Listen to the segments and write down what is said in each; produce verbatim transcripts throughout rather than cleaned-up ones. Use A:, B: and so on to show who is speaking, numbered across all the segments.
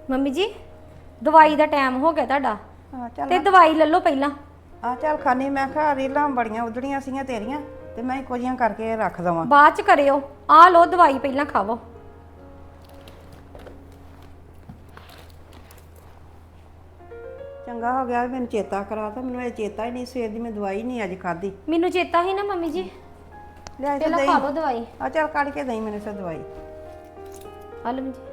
A: Mummy ਜੀ ਦਵਾਈ ਦਾ time ਹੋ ਗਿਆ ਤੁਹਾਡਾ
B: ਹਾਂ ਚੱਲ
A: ਤੇ ਦਵਾਈ ਲੈ ਲਓ ਪਹਿਲਾਂ।
B: ਆ ਚੱਲ ਖਾਨੀ ਮੈਂ ਕਿਹਾ ਰੀਲਾਂ ਬੜੀਆਂ ਉਧੜੀਆਂ ਸੀਗੀਆਂ ਤੇਰੀਆਂ ਤੇ ਮੈਂ ਇੱਕੋ ਜਿਹੀਆਂ ਕਰਕੇ ਰੱਖ ਦਵਾਂ।
A: ਬਾਅਦ ਚ ਕਰਿਓ, ਆ ਲਓ ਦਵਾਈ ਪਹਿਲਾਂ ਖਾਵੋ।
B: ਚੰਗਾ ਹੋ ਗਿਆ ਮੈਨੂੰ ਚੇਤਾ ਕਰਾਤਾ, ਮੈਨੂੰ ਇਹ ਚੇਤਾ ਹੀ ਨਹੀਂ, ਸਵੇਰ ਦੀ ਮੈਂ ਦਵਾਈ ਨਹੀਂ ਅੱਜ ਖਾਧੀ।
A: ਮੈਨੂੰ ਚੇਤਾ ਹੀ ਨਾ ਮੰਮੀ ਜੀ,
B: ਲੈ
A: ਪਹਿਲਾਂ ਖਾ ਲਓ ਦਵਾਈ।
B: ਆ ਚੱਲ ਕੱਢ ਕੇ ਦੇਈ ਮੈਨੂੰ ਸੇ ਦਵਾਈ।
A: ਆ ਲਓ ਜੀ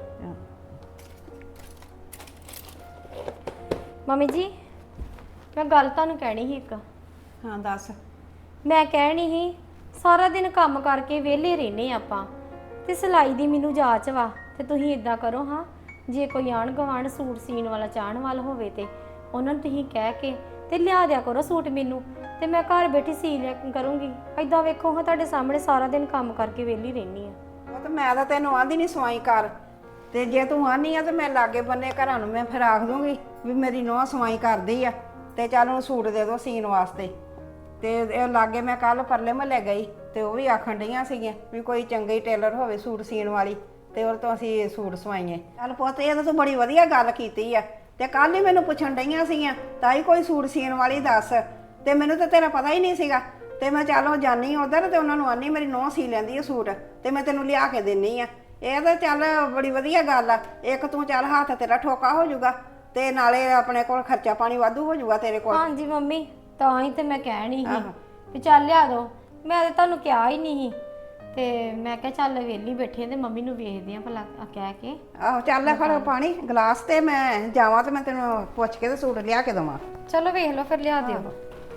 A: ਮੰਮੀ ਜੀ, ਮੈਂ ਗੱਲ ਤੁਹਾਨੂੰ ਕਹਿਣੀ ਸੀ ਇੱਕ।
B: ਹਾਂ ਦੱਸ।
A: ਮੈਂ ਕਹਿਣੀ ਸੀ ਸਾਰਾ ਦਿਨ ਕੰਮ ਕਰਕੇ ਵਿਹਲੇ ਰਹਿੰਦੇ ਆਪਾਂ ਤੇ ਸਿਲਾਈ ਦੀ ਮੈਨੂੰ ਜਾਚ ਵਾ, ਤੇ ਤੁਸੀਂ ਇਦਾਂ ਕਰੋ ਹਾਂ, ਜੇ ਕੋਈ ਆਣ ਗਵਾਂਢ ਸੂਟ ਸੀਣ ਵਾਲਾ ਚਾਹਣ ਵਾਲਾ ਹੋਵੇ ਤੇ ਉਹਨਾਂ ਨੂੰ ਤੁਸੀਂ ਕਹਿ ਕੇ ਤੇ ਲਿਆ ਦਿਆ ਕਰੋ ਸੂਟ ਮੈਨੂੰ, ਤੇ ਮੈਂ ਘਰ ਬੈਠੀ ਸੀ ਲਿਆ ਕਰੂੰਗੀ। ਇਦਾਂ ਵੇਖੋ ਹਾਂ ਤੁਹਾਡੇ ਸਾਹਮਣੇ ਸਾਰਾ ਦਿਨ ਕੰਮ ਕਰਕੇ ਵਿਹਲੀ ਰਹਿੰਦੀ ਆ।
B: ਉਹ ਤਾਂ ਮੈਂ ਤਾਂ ਤੈਨੂੰ ਆਂਦੀ ਨਹੀਂ ਸਵਾਈ ਕਰ, ਤੇ ਜੇ ਤੂੰ ਆਨੀ ਆ ਤੇ ਮੈਂ ਲਾਗੇ ਬੰਨੇ ਘਰਾਂ ਨੂੰ ਮੈਂ ਫਿਰ ਆਖ ਦੂੰਗੀ ਵੀ ਮੇਰੀ ਨੂੰਹ ਸਵਾਈ ਕਰਦੀ ਆ ਤੇ ਚੱਲ ਉਹਨੂੰ ਸੂਟ ਦੇ ਦਿਓ ਸੀਣ ਵਾਸਤੇ। ਤੇ ਇਹ ਲਾਗੇ ਮੈਂ ਕੱਲ ਪਰਲੇ ਮਹੱਲੇ ਗਈ ਤੇ ਉਹ ਵੀ ਆਖਣ ਡਈਆਂ ਸੀਗੀਆਂ ਵੀ ਕੋਈ ਚੰਗੀ ਟੇਲਰ ਹੋਵੇ ਸੂਟ ਸੀਣ ਵਾਲੀ ਤੇ ਉਹ ਤੋਂ ਅਸੀਂ ਸੂਟ ਸਵਾਈਏ। ਚੱਲ ਪੁੱਤ ਇਹ ਤਾਂ ਤੂੰ ਬੜੀ ਵਧੀਆ ਗੱਲ ਕੀਤੀ ਆ, ਤੇ ਕੱਲ ਹੀ ਮੈਨੂੰ ਪੁੱਛਣ ਡਈਆਂ ਸੀਗੀਆਂ ਤਾਈ ਕੋਈ ਸੂਟ ਸੀਣ ਵਾਲੀ ਦੱਸ, ਤੇ ਮੈਨੂੰ ਤਾਂ ਤੇਰਾ ਪਤਾ ਹੀ ਨਹੀਂ ਸੀਗਾ। ਤੇ ਮੈਂ ਚਲੋ ਜਾਨੀ ਉਧਰ ਤੇ ਉਹਨਾਂ ਨੂੰ ਆਨੀ ਮੇਰੀ ਨੂੰਹ ਸੀ ਲੈਂਦੀ ਆ ਸੂਟ ਤੇ ਮੈਂ ਤੈਨੂੰ ਲਿਆ ਕੇ ਦਿੰਨੀ ਆ। ਇਹ ਤਾਂ ਚੱਲ ਬੜੀ ਵਧੀਆ ਗੱਲ ਆ, ਇੱਕ ਤੂੰ ਚੱਲ ਹੱਥ ਤੇਰਾ ਠੋਕਾ ਹੋ ਜਾਊਗਾ ਤੇ ਨਾਲੇ ਆਪਣੇ ਕੋਲ ਖਰਚਾ ਪਾਣੀ ਵਾਧੂ ਹੋ ਜਾਊਗਾ ਤੇਰੇ ਕੋਲ।
A: ਹਾਂਜੀ ਮੰਮੀ, ਤਾਂ ਹੀ ਤੇ ਮੈਂ ਕਹਿਣੀ ਸੀ ਵੀ ਚੱਲ ਲਿਆ ਦੋ। ਮੈਂ ਤਾਂ ਤੁਹਾਨੂੰ ਕਿਹਾ ਹੀ ਨਹੀਂ, ਤੇ ਮੈਂ ਕਿਹਾ ਚੱਲ ਵਿਹਲੀ ਬੈਠੀ ਆ ਤੇ ਮੰਮੀ ਨੂੰ ਵੇਖਦੇ ਆ ਭਲਾ ਕਹਿ ਕੇ।
B: ਆਹੋ ਚੱਲ ਲੈ ਫੜ ਪਾਣੀ ਗਲਾਸ ਤੇ ਮੈਂ ਜਾਵਾਂ ਤੇ ਮੈਂ ਤੈਨੂੰ ਪੁੱਛ ਕੇ ਤੇ ਸੂਟ ਲਿਆ ਕੇ ਦੇਵਾਂ।
A: ਚਲੋ ਵੇਖ ਲਓ ਫਿਰ ਲਿਆ ਦਿਓ।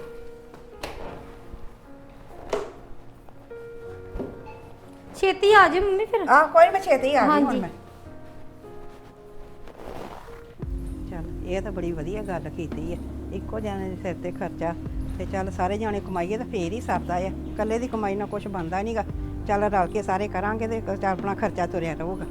A: ਛੇਤੀ ਆ ਜਾਓ ਮੰਮੀ ਫਿਰ।
B: ਆਹ ਕੋਈ ਮੈਂ ਛੇਤੀ ਆ ਗਈ ਹੁਣ
A: ਹਾਂਜੀ।
B: ਮੈਂ। ਚੱਲ ਇਹ ਤਾਂ ਬੜੀ ਵਧੀਆ ਗੱਲ ਕੀਤੀ ਆ, ਇੱਕੋ ਜਾਣੇ ਦੇ ਸਿਰ ਤੇ ਖਰਚਾ, ਤੇ ਚੱਲ ਸਾਰੇ ਜਾਣੇ ਕਮਾਈਏ ਤਾਂ ਫੇਰ ਹੀ ਸਰਦਾ ਆ, ਇਕੱਲੇ ਦੀ ਕਮਾਈ ਨਾਲ ਕੁਝ ਬਣਦਾ ਨਹੀਂਗਾ। ਚੱਲ ਰਲ ਕੇ ਸਾਰੇ ਕਰਾਂਗੇ ਤੇ ਚੱਲ ਆਪਣਾ ਖਰਚਾ ਤੁਰਿਆ ਰਹੂਗਾ।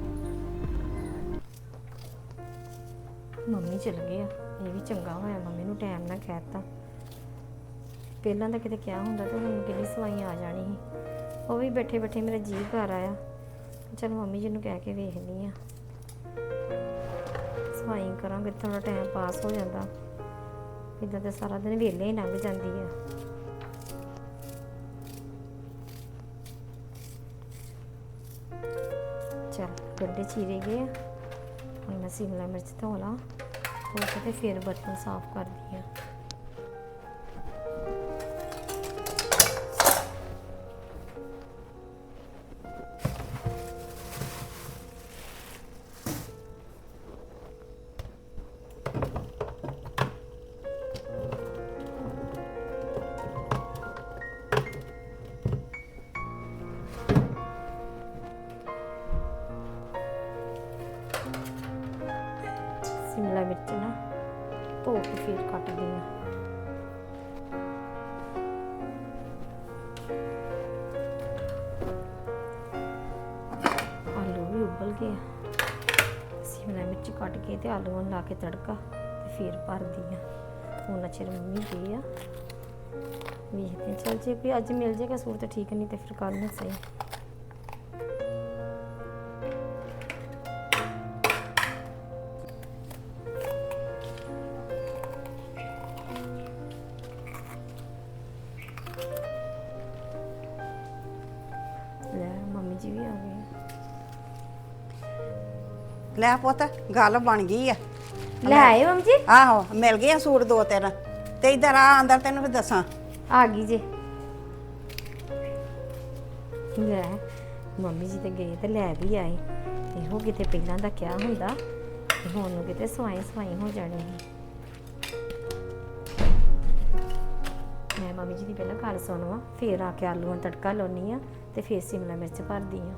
A: ਮੰਮੀ ਚਲ ਗਏ ਆ, ਇਹ ਵੀ ਚੰਗਾ ਹੋਇਆ ਮੰਮੀ ਨੂੰ ਟਾਈਮ ਨਾਲ ਕਹਿਤਾ। ਪਹਿਲਾਂ ਤਾਂ ਕਿਤੇ ਕਿਹਾ ਹੁੰਦਾ ਤਾਂ ਹੁਣ ਕਿੰਨੀ ਸਵਾਈ ਆ ਜਾਣੀ ਸੀ। ਉਹ ਵੀ ਬੈਠੇ ਬੈਠੇ ਮੇਰਾ ਜੀਅ ਘਰ ਆਇਆ, ਚਲ ਮੰਮੀ ਜੀ ਨੂੰ ਕਹਿ ਕੇ ਵੇਖਦੀ ਆ, ਸਵਾਈ ਕਰਾਂਗੇ ਥੋੜਾ ਟਾਈਮ ਪਾਸ ਹੋ ਜਾਂਦਾ। ਇੱਦਾਂ ਤਾਂ ਸਾਰਾ ਦਿਨ ਵਿਹਲੇ ਹੀ ਲੰਘ ਜਾਂਦੀ ਆ। ਚਲ ਗੱਡੇ ਚੀਰੇ ਗਏ ਆ, ਹੁਣ ਮੈਂ ਸ਼ਿਮਲਾ ਮਿਰਚ ਧੋ ਲਾਂ, ਧੋ ਕੇ ਤੇ ਫਿਰ ਬਰਤਨ ਸਾਫ਼ ਕਰਦੀ ਆ। शिमला मिर्च ना धो के फिर कटदी हाँ। आलू भी उबल गए, शिमला मिर्च कट के ते आलू ला के तड़का ते फिर भर दी। उन्ना चिर मम्मी गए आ, वेखते चल जे कोई अज मिल जाएगा सूट तो ठीक, नहीं तो फिर कल ना सही। ਮੰਮੀ ਜੀ ਵੀ ਆ ਗਏ।
B: ਲੈ ਪੁੱਤ ਗੱਲ ਬਣ ਗਈ ਆ।
A: ਲੈ ਆਏ ਮੰਮੀ ਜੀ?
B: ਆਹੋ ਮਿਲ ਗਏ ਆ ਸੂਟ ਦੋ ਤਿੰਨ, ਤੇ ਇਧਰ ਆ ਅੰਦਰ ਤੈਨੂੰ ਵੀ ਦੱਸਾਂ।
A: ਆ ਗਈ ਜੇ। ਲੈ ਮੰਮੀ ਜੀ ਤੇ ਗਏ ਤੇ ਲੈ ਵੀ ਆਏ, ਇਹੋ ਕਿਤੇ ਪਹਿਲਾਂ ਦਾ ਕਿਹਾ ਹੁੰਦਾ ਤੇ ਹੁਣ ਨੂੰ ਕਿਤੇ ਸਵਾਈ ਸਵਾਈ ਹੋ ਜਾਣੀ ਸੀ। ਮੈਂ ਮੰਮੀ ਜੀ ਦੀ ਪਹਿਲਾਂ ਗੱਲ ਸੁਣਵਾ, ਫੇਰ ਆ ਕੇ ਆਲੂਆਂ ਨੂੰ ਤੜਕਾ ਲਾਉਣੀ ਆ ਤੇ ਫੇਰ ਸ਼ਿਮਲਾ ਮਿਰਚ ਭਰਦੀ ਆ।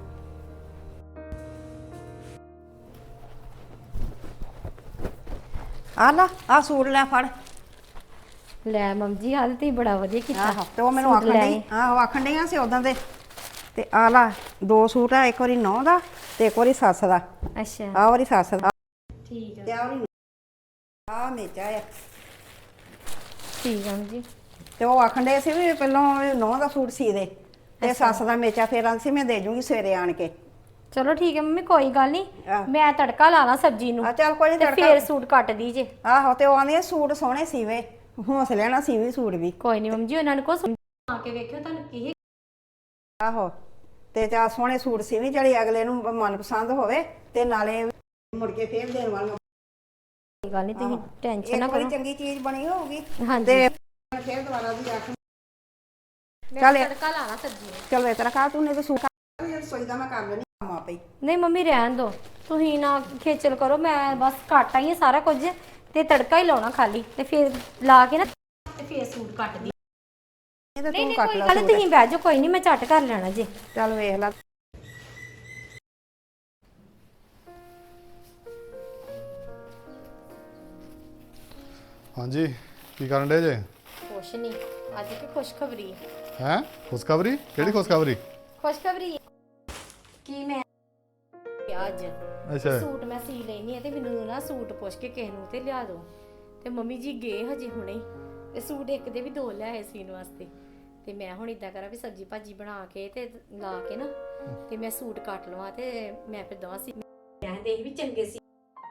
B: ਆ ਲਾ ਆ ਸੂਟ ਲੈ ਫੜ।
A: ਲੈ ਮੰਮੀ ਜੀ ਹਾਲ ਤੇ ਬੜਾ ਵਧੀਆ ਕੀਤਾ।
B: ਆਹੋ ਤੇ ਉਹ ਮੈਨੂੰ ਆਖਣ ਡਈ, ਆਹੋ ਆਖਣ ਡਈਆਂ ਸੀ ਉਦਾਂ ਦੇ, ਤੇ ਆ ਲਾ ਦੋ ਸੂਟ ਆ, ਇੱਕ ਵਾਰੀ ਨੌਂ ਦਾ ਤੇ ਇੱਕ ਵਾਰੀ ਸੱਸ ਦਾ।
A: ਅੱਛਾ
B: ਆ ਵਾਰੀ ਸੱਸ ਦਾ
A: ਠੀਕ ਆ।
B: ਤੇ ਆ ਵਾਰੀ ਆ ਮੇਚਾ ਆ।
A: ਠੀਕ ਆ ਜੀ।
B: ਤੇ ਉਹ ਆਖਣ ਡੇ ਸੀ ਵੀ ਪਹਿਲਾਂ ਨੌਂ ਦਾ ਸੂਟ ਸੀ ਦੇ ਤੇ ਸੱਸ ਦਾ ਮੇਚਾ ਫੇਰ ਆਂਦੀ ਸੀ ਮੈਂ ਦੇ ਜੂੰਗੀ ਸਵੇਰੇ ਆਣ ਕੇ।
A: ਚਲੋ ਠੀਕ ਹੈ ਮੰਮੀ ਕੋਈ ਗੱਲ ਨਹੀਂ
B: ਆਹ।
A: ਮੈਂ ਤੜਕਾ ਲਾ ਲਾਂ ਸਬਜ਼ੀ ਨੂੰ
B: ਆ ਚੱਲ ਕੋਈ ਨਹੀਂ
A: ਤੇ
B: ਤੜਕਾ
A: ਫੇਰ ਸੂਟ ਕੱਟ ਦੀ ਜੇ।
B: ਆਹੋ ਤੇ ਉਹ ਆਂਦੀ ਸੂਟ ਸੋਹਣੇ ਸੀਵੇ ਹੌਸਲੇ ਨਾਲ ਸੀਵੀ ਸੂਟ ਵੀ।
A: ਕੋਈ ਨਹੀਂ ਮੰਮੀ ਜੀ ਉਹਨਾਂ ਨੂੰ ਕੋ ਆ ਕੇ ਵੇਖਿਓ ਤੁਹਾਨੂੰ ਕੀ
B: ਆਹੋ ਤੇ ਚਾ ਸੋਹਣੇ ਸੂਟ ਸੀਵੀ ਜਿਹੜੇ ਅਗਲੇ ਨੂੰ ਮਨਪਸੰਦ ਹੋਵੇ ਤੇ ਨਾਲੇ ਮੁੜ ਕੇ ਫੇਰ ਦੇਣ ਵਾਲਾ।
A: ਕੋਈ ਗੱਲ ਨਹੀਂ ਤੁਸੀਂ ਟੈਨਸ਼ਨ ਨਾ
B: ਇੱਕ ਵਾਰੀ
A: ਕਰੋ।
B: ਚੰਗੀ ਚੀਜ਼ ਬਣੀ ਹੋਊਗੀ
A: ਹਾਂਜੀ
B: ਤੇ ਫੇਰ ਦੁਬਾਰਾ ਵੀ ਆਖ
A: ਮੈਂ
B: ਚੱਲ
A: ਤੜਕਾ ਲਾ ਲਾਂ ਸਬਜ਼ੀ ਨੂੰ।
B: ਚਲ ਇਸ ਤਰ੍ਹਾਂ ਕਰ ਤੂੰ ਨੇ ਤੇ ਸੂਟ ਰਸੋਈ ਦਾ ਮੈਂ ਕਰ ਲੈਣੀ ਕੰਮ ਆਪੇ।
A: ਨਹੀਂ ਮੰਮੀ ਰਹਿਣ ਦੋ ਤੁਸੀਂ ਨਾ ਖੇਚਲ ਕਰੋ ਮੈਂ ਬਸ ਕੱਟ ਆਈ ਹਾਂ ਸਾਰਾ ਕੁਝ ਤੇ ਤੜਕਾ ਹੀ ਲਾਉਣਾ ਖਾਲੀ ਤੇ ਫਿਰ ਲਾ ਕੇ ਨਾ ਤੇ ਫਿਰ ਸੂਟ ਕੱਟ ਦੀ।
B: ਇਹ ਤੇ
A: ਨਹੀਂ
B: ਤੂੰ
A: ਨਹੀਂ
B: ਕੱਟ
A: ਕੋਈ
B: ਲੈ
A: ਗੱਲ ਨੀ, ਤੁਸੀਂ ਬਹਿ ਜਾਓ ਕੋਈ ਨਹੀਂ ਮੈਂ ਝੱਟ ਕਰ ਲੈਣਾ ਜੀ।
B: ਚੱਲ ਵੇਖ ਲੈ।
C: ਹਾਂਜੀ ਕੀ ਕਰਨ ਡੇ ਜੇ?
A: ਕੁਛ ਨਹੀਂ ਅੱਜ ਕੀ ਖੁਸ਼ਖਬਰੀ ਹੈ।
C: ਹੈ ਖੁਸ਼ਖਬਰੀ? ਕਿਹੜੀ ਖੁਸ਼ਖਬਰੀ?
A: ਖੁਸ਼ਖਬਰੀ ਕੀ ਮੈਂ ਅੱਜ
C: ਅੱਛਾ
A: ਸੂਟ ਮੈਂ ਸੀ ਲੈਣੀ ਹੈ ਤੇ ਮੈਨੂੰ ਨਾ ਸੂਟ ਪੁੱਛ ਕੇ ਕਿਸੇ ਨੂੰ ਤੇ ਲਿਆ ਦਿਓ ਤੇ ਮੰਮੀ ਜੀ ਗਏ ਹਜੇ ਹੁਣੇ ਤੇ ਸੂਟ ਇੱਕ ਦੇ ਵੀ ਦੋ ਲਿਆਏ ਸੀਨ ਵਾਸਤੇ ਤੇ ਮੈਂ ਹੁਣ ਇਦਾਂ ਕਰਾਂ ਵੀ ਸਬਜੀ ਭਾਜੀ ਬਣਾ ਕੇ ਤੇ ਲਾ ਕੇ ਨਾ ਤੇ ਮੈਂ ਸੂਟ ਕੱਟ ਲਵਾਂ ਤੇ ਮੈਂ ਫਿਰ ਦਵਾਂ ਸੀ ਮੈਂ ਦੇਖ ਵੀ ਚੰਗੇ ਸੀ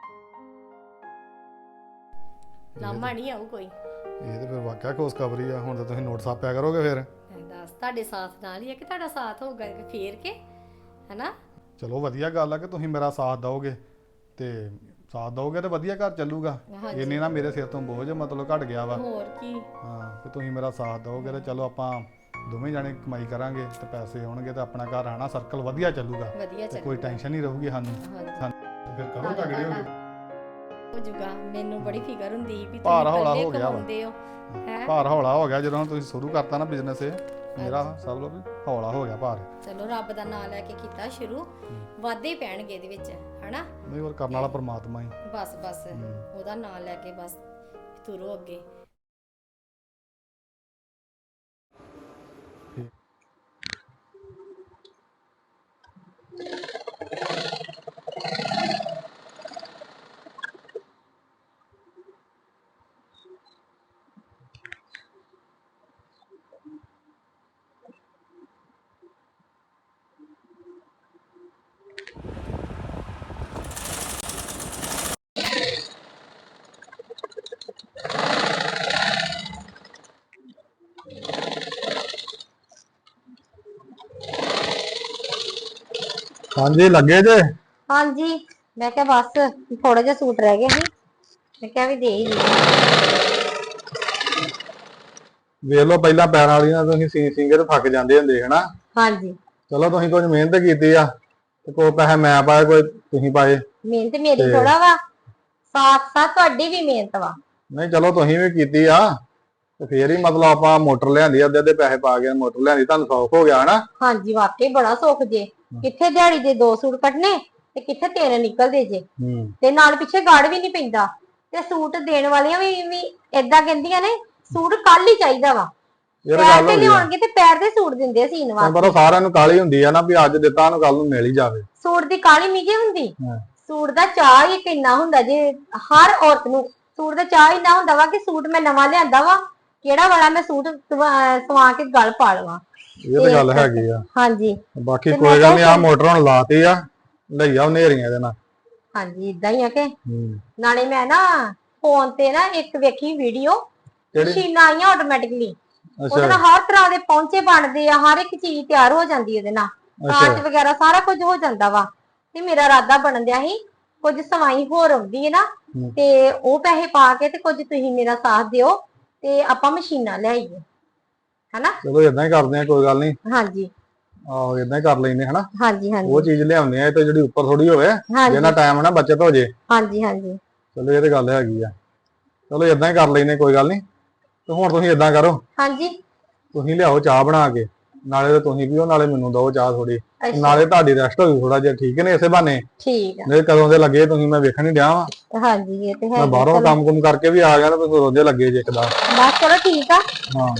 A: ਲਾਮਾ ਨਹੀਂ ਆਊ ਕੋਈ।
C: ਇਹ ਤੇ ਫਿਰ ਵਾਕਿਆ ਖੁਸ਼ਖਬਰੀ ਆ। ਹੁਣ ਤਾਂ ਤੁਸੀਂ ਨੋਟ ਛਾਪਿਆ ਕਰੋਗੇ ਫਿਰ।
A: ਮੈਂ ਦੱਸ ਤੁਹਾਡੇ ਸਾਥ ਨਾਲ ਹੀ ਹੈ ਕਿ ਤੁਹਾਡਾ ਸਾਥ ਹੋਊਗਾ ਫੇਰ ਕੇ ਹੈਨਾ।
C: ਚਲੋ ਵਧੀਆ ਗੱਲ ਆ ਕਿ ਤੁਸੀਂ ਮੇਰਾ ਸਾਥ ਦਿਓਗੇ ਤੇ ਸਾਥ ਦਿਓਗੇ ਤੇ ਵਧੀਆ ਘਰ ਚੱਲੂਗਾ।
A: ਹਾਂਜੀ।
C: ਇੰਨੇ ਨਾ ਮੇਰੇ ਸਿਰ ਤੋਂ ਬੋਝ ਮਤਲਬ ਘਟ ਗਿਆ ਵਾ।
A: ਹੋਰ ਕੀ।
C: ਹਾਂ ਤੇ ਤੁਸੀਂ ਮੇਰਾ ਸਾਥ ਦਿਓਗੇ ਤੇ ਚਲੋ ਆਪਾਂ ਦੋਵੇਂ ਜਾਣੇ ਕਮਾਈ ਕਰਾਂਗੇ ਤੇ ਪੈਸੇ ਆਉਣਗੇ ਤੇ ਆਪਣਾ ਘਰ ਆਣਾ ਸਰਕਲ ਵਧੀਆ ਚੱਲੂਗਾ
A: ਵਧੀਆ
C: ਤੇ
A: ਚੱਲ
C: ਕੋਈ ਟੈਨਸ਼ਨ ਨਹੀਂ ਰਹੂਗੀ ਸਾਨੂੰ।
A: ਹਾਂਜੀ
C: ਫਿਰ ਕਰੋ ਤਗੜੇ ਹੋ
A: ਹੋ ਜੂਗਾ। ਮੈਨੂੰ ਬੜੀ ਫਿਕਰ ਹੁੰਦੀ ਸੀ ਵੀ
C: ਭਾਰ
A: ਤੁਸੀਂ
C: ਹੌਲਾ
A: ਇਕੱਲੇ
C: ਹੋ ਗਿਆ ਵਾ।
A: ਕਮਾਉਂਦੇ ਹੋ ਹੈ।
C: ਭਾਰ ਹੌਲਾ ਹੋ ਗਿਆ ਜਦੋਂ ਹੁਣ ਤੁਸੀਂ ਸ਼ੁਰੂ ਕਰਤਾ ਨਾ ਬਿਜ਼ਨਸ ਇਹ ਮੇਰਾ ਸਭ ਲੋ ਵੀ ਹੌਲਾ ਹੋ ਗਿਆ ਭਾਰ।
A: ਚਲੋ ਰੱਬ ਦਾ ਨਾਮ ਲੈ ਕੇ ਕੀਤਾ ਸ਼ੁਰੂ ਵਾਧੇ ਪੈਣਗੇ ਇਹਦੇ ਵਿੱਚ ਹਨਾ।
C: ਨਹੀਂ ਹੋਰ ਕਰਨ ਵਾਲਾ ਪਰਮਾਤਮਾ ਹੀ।
A: ਬਸ ਬਸ ਉਹਦਾ ਨਾਮ ਲੈ ਕੇ ਬਸ ਤੁਰੋ ਅੱਗੇ।
C: ਹਾਂਜੀ ਲੱਗੇ ਜੇ?
A: ਹਾਂਜੀ ਮੈਂ ਕਿਹਾ ਬਸ ਥੋੜਾ ਜਿਹਾ ਸੂਟ ਰਹਿ ਗਿਆ ਸੀ ਮੈਂ ਕਿਹਾ ਵੀ ਦੇ ਹੀ ਦੇ।
C: ਵੇਖ ਲਓ ਪਹਿਲਾਂ ਪੈਰਾਂ ਵਾਲੀਆਂ ਤੁਸੀਂ ਸੀ ਸਿੰਗੇ ਤੇ ਥੱਕ ਜਾਂਦੇ ਹੁੰਦੇ ਹਨਾ।
A: ਹਾਂਜੀ
C: ਚਲੋ ਤੁਸੀਂ ਕੁਝ ਮਿਹਨਤ ਕੀਤੀ ਆ ਤੇ ਕੋਈ ਪੈਸੇ ਮੈਂ ਪਾਏ ਕੋਈ ਤੁਸੀਂ ਪਾਏ।
A: ਮਿਹਨਤ ਮੇਰੀ ਥੋੜਾ ਵਾ ਸਾਥ ਸਾਥ ਤੁਹਾਡੀ ਵੀ ਮਿਹਨਤ ਵਾ।
C: ਨਹੀਂ ਚਲੋ ਤੁਸੀਂ ਵੀ ਕੀਤੀ ਆ ਤੇ ਫੇਰ ਹੀ ਮਤਲਬ ਆਪਾਂ ਮੋਟਰ ਲਿਆਂਦੀ ਅੱਧੇ ਅੱਧੇ ਪੈਸੇ ਪਾ ਕੇ ਮੋਟਰ ਲਿਆਂਦੀ ਤੁਹਾਨੂੰ ਸੌਖ ਹੋ ਗਿਆ ਹਨਾ।
A: ਹਾਂਜੀ ਵਾਕਈ ਬੜਾ ਸੁੱਖ ਜੇ। ਕਿੱਥੇ ਦਿਹਾੜੀ ਦੇ ਦੋ ਸੂਟ ਕੱਟਨੇ ਤੇ ਕਿੱਥੇ ਤਿੰਨ ਨਿਕਲਦੇ ਜੇ ਤੇ ਨਾਲ ਪਿੱਛੇ ਗਾੜ ਵੀ ਨਹੀਂ ਪੈਂਦਾ ਤੇ ਸੂਟ ਦੇਣ ਵਾਲੀਆਂ ਵੀ ਵੀ ਏਦਾਂ ਕਹਿੰਦੀਆਂ ਨੇ ਸੂਟ ਕੱਲ ਹੀ ਚਾਹੀਦਾ ਵਾ। ਪੈਰ ਤੇ ਲਿਆਉਣਗੇ ਤੇ ਪੈਰ ਦੇ ਸੂਟ ਦਿੰਦੇ ਸੀਨ ਵਾਸਤੇ।
C: ਪਰ ਸਾਰਿਆਂ ਨੂੰ ਕਾਲੀ ਹੁੰਦੀ ਆ ਨਾ ਵੀ ਅੱਜ ਦਿੱਤਾ ਨੂੰ ਕੱਲ ਨੂੰ ਮਿਲ ਹੀ ਜਾਵੇ।
A: ਸੂਟ ਦੀ ਕਾਲੀ ਨਹੀਂ ਜੇ ਹੁੰਦੀ। ਸੂਟ ਦਾ ਚਾਹ ਹੀ ਕਿੰਨਾ ਹੁੰਦਾ ਜੇ ਹਰ ਔਰਤ ਨੂੰ ਸੂਟ ਦਾ ਚਾਹ ਇੰਨਾ ਹੁੰਦਾ ਵਾ ਕਿ ਸੂਟ ਮੈਂ ਨਵਾਂ ਲਿਆਂਦਾ ਵਾ ਕਿਹੜਾ ਵਾਲਾ ਮੈਂ ਸੂਟ ਸਵਾ ਕੇ ਗਲ ਪਾ ਲਵਾਂ।
C: ਇਹ ਤਾਂ ਗੱਲ ਹੈਗੀ ਆ।
A: ਹਾਂਜੀ
C: ਬਾਕੀ ਕੋਈ ਗੱਲ ਨਹੀਂ ਆ ਮੋਟਰ ਹੁਣ ਲਾਤੀ ਆ ਲਈਆ ਹਨੇਰੀਆਂ ਇਹਦੇ ਨਾਲ।
A: ਹਾਂਜੀ ਇਦਾਂ ਹੀ ਆ ਕਿ ਨਾਲੇ ਮੈਂ ਨਾ ਫੋਨ ਤੇ ਨਾ ਇੱਕ ਵੇਖੀ ਵੀਡੀਓ ਮਸ਼ੀਨਾਂ ਆਈਆਂ ਆਟੋਮੈਟਿਕਲੀ ਉਹਦੇ ਨਾਲ ਹਰ ਤਰ੍ਹਾਂ ਦੇ ਪੌਂਚੇ ਬਣਦੇ ਆ ਹਰ ਇੱਕ ਚੀਜ਼ ਤਿਆਰ ਹੋ ਜਾਂਦੀ ਉਹਦੇ ਨਾਲ ਕਾਚ ਵਗੈਰਾ ਸਾਰਾ ਕੁਝ ਹੋ ਜਾਂਦਾ ਵਾ ਤੇ ਮੇਰਾ ਇਰਾਦਾ ਬਣਨ ਦਿਆ ਸੀ ਕੁਝ ਸਵਾਈ ਹੋਰ ਆਉਂਦੀ ਹੈ ਨਾ ਤੇ ਉਹ ਪੈਸੇ ਪਾ ਕੇ ਤੇ ਕੁਝ ਤੁਸੀਂ ਮੇਰਾ ਸਾਥ ਦਿਓ ਤੇ ਆਪਾਂ ਮਸ਼ੀਨਾਂ ਲਿਆਈਏ ਹਨਾ।
C: ਚਲੋ ਇਦਾਂ ਹੀ ਕਰਦੇ ਆ ਕੋਈ ਗੱਲ ਨਹੀਂ।
A: ਹਾਂਜੀ
C: ਆਹੋ ਇਦਾਂ ਹੀ ਕਰ ਲੈਨੇ ਹਨਾ।
A: ਹਾਂਜੀ ਹਾਂਜੀ
C: ਉਹ ਚੀਜ਼ ਲਿਆਉਂਦੇ ਆ ਤੇ ਜਿਹੜੀ ਉੱਪਰ ਥੋੜੀ ਹੋਵੇ ਜਿਹਨਾਂ ਟਾਈਮ ਨਾ ਬਚਤ ਹੋ ਜੇ।
A: ਹਾਂਜੀ ਹਾਂਜੀ
C: ਚਲੋ ਇਹ ਤੇ ਗੱਲ ਹੈਗੀ ਆ। ਚਲੋ ਇਦਾਂ ਹੀ ਕਰ ਲੈਨੇ ਕੋਈ ਗੱਲ ਨਹੀਂ ਤੇ ਹੁਣ ਤੁਸੀਂ ਇਦਾਂ ਕਰੋ।
A: ਹਾਂਜੀ
C: ਤੁਸੀਂ ਲਿਆਓ ਚਾਹ ਬਣਾ ਕੇ ਨਾਲੇ ਤੇ ਤੁਸੀਂ ਪੀਓ ਨਾਲੇ ਮੈਨੂੰ ਦਿਓ ਚਾਹ ਥੋੜੀ ਨਾਲੇ ਤੁਹਾਡੀ ਰੈਸਟ ਹੋਈ ਥੋੜਾ ਜਿਹਾ ਠੀਕ ਨੇ ਇਸੇ ਬਹਾਨੇ।
A: ਠੀਕ ਆ।
C: ਨਹੀਂ ਕਦੋਂ ਦੇ ਲੱਗੇ ਤੁਸੀਂ ਮੈਂ ਵੇਖਣ ਹੀ ਡਿਆ ਵਾ।
A: ਹਾਂਜੀ ਇਹ ਤੇ ਹੈ।
C: ਮੈਂ ਬਾਹਰੋਂ ਕੰਮ ਕੁਮ ਕਰਕੇ ਵੀ ਆ ਗਿਆ ਤਾਂ ਤੁਸੀਂ ਰੋਜ਼ੇ ਲੱਗੇ ਜੇ ਇੱਕਦਾ।
A: ਬਸ ਚਲੋ ਠੀਕ ਆ।
C: ਹਾਂ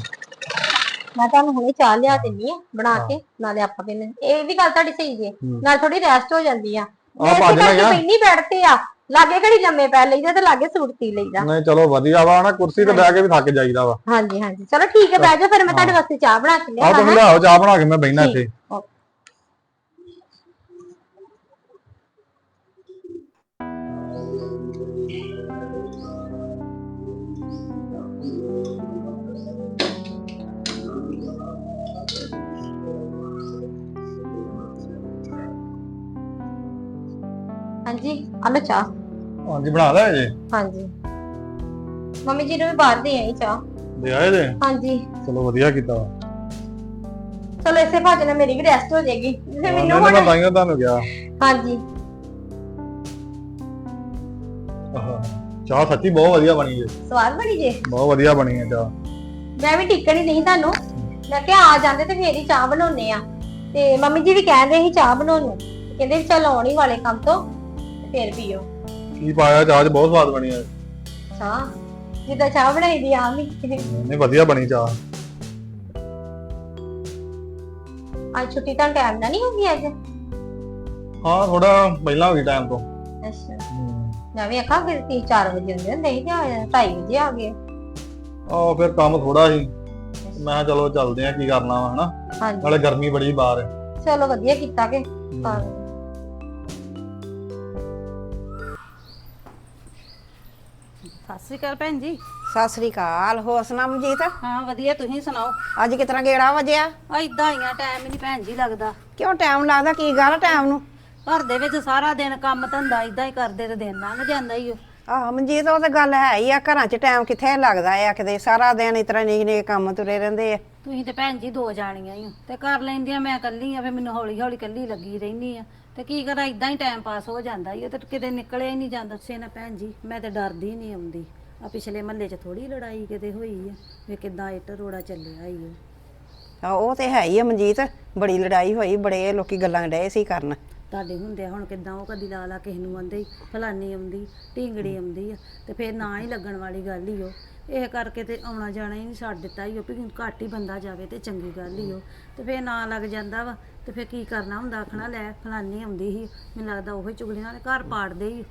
A: ਮੈਂ ਤੁਹਾਨੂੰ ਹੁਣੇ ਚਾਹ ਲਿਆ ਦਿੰਨੀ ਆ ਬਣਾ ਕੇ ਨਾਲੇ ਆਪਾਂ ਪੀਨੇ ਇਹ ਵੀ ਗੱਲ ਤੁਹਾਡੀ ਸਹੀ ਜੇ ਨਾਲ ਥੋੜੀ ਰੈਸਟ ਹੋ ਜਾਂਦੀ ਆ। ਮੈਂ ਇਸੇ ਕਰਕੇ ਪੈਣੀ ਬੈਠਤੇ ਆ ਲਾਗੇ ਘੜੀ ਲੰਮੇ ਪੈ ਲਈਦਾ ਤੇ ਲਾਗੇ ਸੂਟ ਸੀ ਲਈਦਾ।
C: ਨਹੀਂ ਚਲੋ ਵਧੀਆ ਵਾ ਨਾ ਕੁਰਸੀ ਤੇ ਬਹਿ ਕੇ ਵੀ ਥੱਕ ਜਾਈਦਾ ਵਾ।
A: ਹਾਂਜੀ ਹਾਂਜੀ ਚਲੋ ਠੀਕ ਹੈ ਬਹਿ ਜਾਓ ਫਿਰ ਮੈਂ ਤੁਹਾਡੇ ਵਾਸਤੇ ਚਾਹ ਬਣਾ ਕੇ ਲਿਆ।
C: ਆਹ ਤੁਸੀਂ ਲਿਆਓ ਚਾਹ ਬਣਾ ਕੇ ਮੈਂ ਬਹਿਣਾ ਇੱਥੇ।
A: ਜੀ ਆ ਲੋ ਚਾਹ।
C: ਹਾਂਜੀ ਬਣਾ ਲਿਆ ਜੇ?
A: ਹਾਂਜੀ ਮੰਮੀ ਜੀ ਨੂੰ ਵੀ ਬਾਹਰ ਦੇ ਆਈ ਚਾਹ।
C: ਦੇ ਆਏ ਜੇ?
A: ਹਾਂਜੀ
C: ਚਲੋ ਵਧੀਆ ਕੀਤਾ ਵਾ।
A: ਚਲੋ ਇਸੇ ਭਾਜ ਨਾਲ ਮੇਰੀ ਵੀ ਰੈਸਟ ਹੋ ਜਾਏਗੀ ਫਿਰ
C: ਹਾਂ,
A: ਮੈਨੂੰ
C: ਨਹੀਂ, ਮੈਂ
A: ਹੁਣ।
C: ਤਾਂ ਹੀ ਤੁਹਾਨੂੰ ਕਿਹਾ।
A: ਹਾਂਜੀ
C: ਆਹ, ਚਾਹ ਸੱਚੀ ਬਹੁਤ ਵਧੀਆ ਬਣੀ ਜੇ।
A: ਸਵਾਦ ਬਣੀ ਜੇ।
C: ਬਹੁਤ ਵਧੀਆ ਬਣੀ ਹੈ ਚਾਹ।
A: ਮੈਂ ਵੀ ਟਿਕਣ ਹੀ ਨਹੀਂ ਤੁਹਾਨੂੰ, ਮੈਂ ਕਿਹਾ ਆ ਜਾਂਦੇ ਤੇ ਫੇਰ ਹੀ ਚਾਹ ਬਣਾਉਣੇ ਆ। ਤੇ ਮੰਮੀ ਜੀ ਵੀ ਕਹਿ ਰਹੇ ਸੀ ਚਾਹ ਬਣਾਉਣ ਨੂੰ, ਕਹਿੰਦੇ ਵੀ ਚੱਲ ਆਉਣ ਹੀ ਵਾਲੇ ਕੰਮ ਤੋਂ ਤੇ ਫੇਰ ਪੀਓ
C: ਕੀ ਪਾਇਆ ਚਾਹ 'ਚ? ਬਹੁਤ ਸਵਾਦ ਬਣੀ ਹੈ
A: ਚਾਹ, ਜਿੱਦਾਂ ਚਾਹ ਬਣਾਈ ਦੀ ਆ ਵੀ।
C: ਨਹੀਂ ਵਧੀਆ ਬਣੀ ਚਾਹ।
A: ਅੱਜ ਛੁੱਟੀ ਤਾਂ ਟਾਈਮ ਨਾਲ ਨਹੀਂ ਹੋਗੀ ਅੱਜ?
C: ਹਾਂ ਥੋੜਾ ਪਹਿਲਾਂ ਹੋ ਗਈ ਟਾਈਮ ਤੋਂ।
A: ਅੱਛਾ ਮੈਂ ਵੀ ਆਖਾਂ ਫਿਰ ਤੀ ਚਾਰ ਵਜੇ ਹੁੰਦੇ ਹੁੰਦੇ ਸੀ ਤੇ ਢਾਈ ਵਜੇ ਆ ਗਏ।
C: ਆਹ ਫਿਰ ਕੰਮ ਥੋੜਾ ਸੀ, ਮੈਂ ਕਿਹਾ ਚਲੋ ਚੱਲਦੇ ਆ, ਕੀ ਕਰਨਾ ਵਾ ਹਨਾ।
A: ਹਾਂਜੀ
C: ਨਾਲੇ ਗਰਮੀ ਬੜੀ ਬਾਹਰ।
A: ਚਲੋ ਵਧੀਆ ਕੀਤਾ ਕਿ ਹਾਂ।
D: ਸਤਿ ਸ਼੍ਰੀ ਅਕਾਲ ਭੈਣ ਜੀ।
B: ਸਤਿ ਸ੍ਰੀ ਅਕਾਲ। ਹੋਰ ਸੁਣਾ ਮਨਜੀਤ,
D: ਹਾਂ ਵਧੀਆ, ਤੁਸੀਂ ਸੁਣਾਓ?
B: ਅੱਜ ਕਿਤਨਾ ਗੇੜਾ ਵਜਿਆ?
D: ਆ ਇਦਾਂ ਹੀ ਆ, ਟਾਈਮ ਹੀ ਨਹੀਂ ਭੈਣ ਜੀ ਲੱਗਦਾ।
B: ਕਿਉਂ ਟਾਈਮ ਲੱਗਦਾ? ਕੀ ਗੱਲ ਟਾਈਮ ਨੂੰ?
D: ਘਰ ਦੇ ਵਿੱਚ ਸਾਰਾ ਦਿਨ ਕੰਮ ਧੰਦਾ ਇਦਾਂ ਹੀ ਕਰਦੇ ਤੇ ਦਿਨ ਲੰਘ ਜਾਂਦਾ ਹੀ ਉਹ।
B: ਆਹ ਮਨਜੀਤ ਉਹ ਤਾਂ ਗੱਲ ਹੈ ਹੀ ਆ, ਘਰਾਂ 'ਚ ਟਾਈਮ ਕਿੱਥੇ ਲੱਗਦਾ ਆ ਕਿਤੇ, ਸਾਰਾ ਦਿਨ ਇਸ ਤਰ੍ਹਾਂ ਨਿੱਕੇ ਨਿੱਕੇ ਕੰਮ ਤੁਰੇ ਰਹਿੰਦੇ ਆ।
D: ਤੁਸੀਂ ਤੇ ਭੈਣ ਜੀ ਦੋ ਜਾਣੀਆਂ ਹੀ ਹੋ ਤੇ ਕਰ ਲੈਂਦੀਆਂ, ਮੈਂ ਇਕੱਲੀ ਆ, ਫੇ ਮੈਨੂੰ ਹੌਲੀ ਹੌਲੀ ਇਕੱਲੀ ਲੱਗੀ ਰਹਿਨੀ ਆ ਤੇ ਕੀ ਕਰਾਂ, ਇਦਾਂ ਹੀ ਟਾਈਮ ਪਾਸ ਹੋ ਜਾਂਦਾ ਹੀ। ਉਹ ਤੇ ਕਿਤੇ ਨਿਕਲਿਆ ਹੀ ਨਹੀਂ ਜਾਂਦਾ ਸੇ ਨਾ ਭੈਣ ਜੀ। ਮੈਂ ਤੇ ਡਰਦੀ ਨਹੀਂ ਆਉਂਦੀ। ਆ ਪਿਛਲੇ ਮਹੱਲੇ 'ਚ ਥੋੜੀ ਲੜਾਈ ਕਿਤੇ ਹੋਈ ਆ, ਵੇ ਕਿਦਾਂ ਇੱਟ ਰੋੜਾ ਚੱਲਿਆ ਹੀ ਉਹ।
B: ਆ ਉਹ ਤੇ ਹੈ ਹੀ ਆ ਮਨਜੀਤ, ਬੜੀ ਲੜਾਈ ਹੋਈ, ਬੜੇ ਲੋਕੀ ਗੱਲਾਂ ਡਏ ਸੀ ਕਰਨ।
D: ਤੁਹਾਡੇ ਹੁੰਦੇ ਹੁਣ ਕਿਦਾਂ ਉਹ ਕਦੀ ਲਾ ਲਾ ਕਿਸੇ ਨੂੰ ਆਂਦੇ ਫਲਾਨੀ ਆਉਂਦੀ ਢੀਂਗੜੀ ਆਉਂਦੀ ਆ ਤੇ ਫਿਰ ਨਾ ਹੀ ਲੱਗਣ ਵਾਲੀ ਗੱਲ ਹੀ ਉਹ। ਇਹ ਕਰਕੇ ਤੇ ਆਉਣਾ ਜਾਣਾ ਹੀ ਨਹੀਂ ਛੱਡ ਦਿੱਤਾ ਹੀ ਉਹ, ਵੀ ਘੱਟ ਹੀ ਬੰਦਾ ਜਾਵੇ ਤੇ ਚੰਗੀ ਗੱਲ ਹੀ ਉਹ। ਤੇ ਫਿਰ ਨਾ ਲੱਗ ਜਾਂਦਾ ਵਾ ਤੇ ਫਿਰ ਕੀ ਕਰਨਾ ਹੁੰਦਾ, ਆਖਣਾ ਲੈ ਫਲਾਨੀ ਆਉਂਦੀ ਸੀ, ਮੈਨੂੰ ਲੱਗਦਾ ਉਹੀ ਚੁਗਲੀਆਂ ਵਾਲੇ ਘਰ ਪਾੜਦੇ ਹੀ।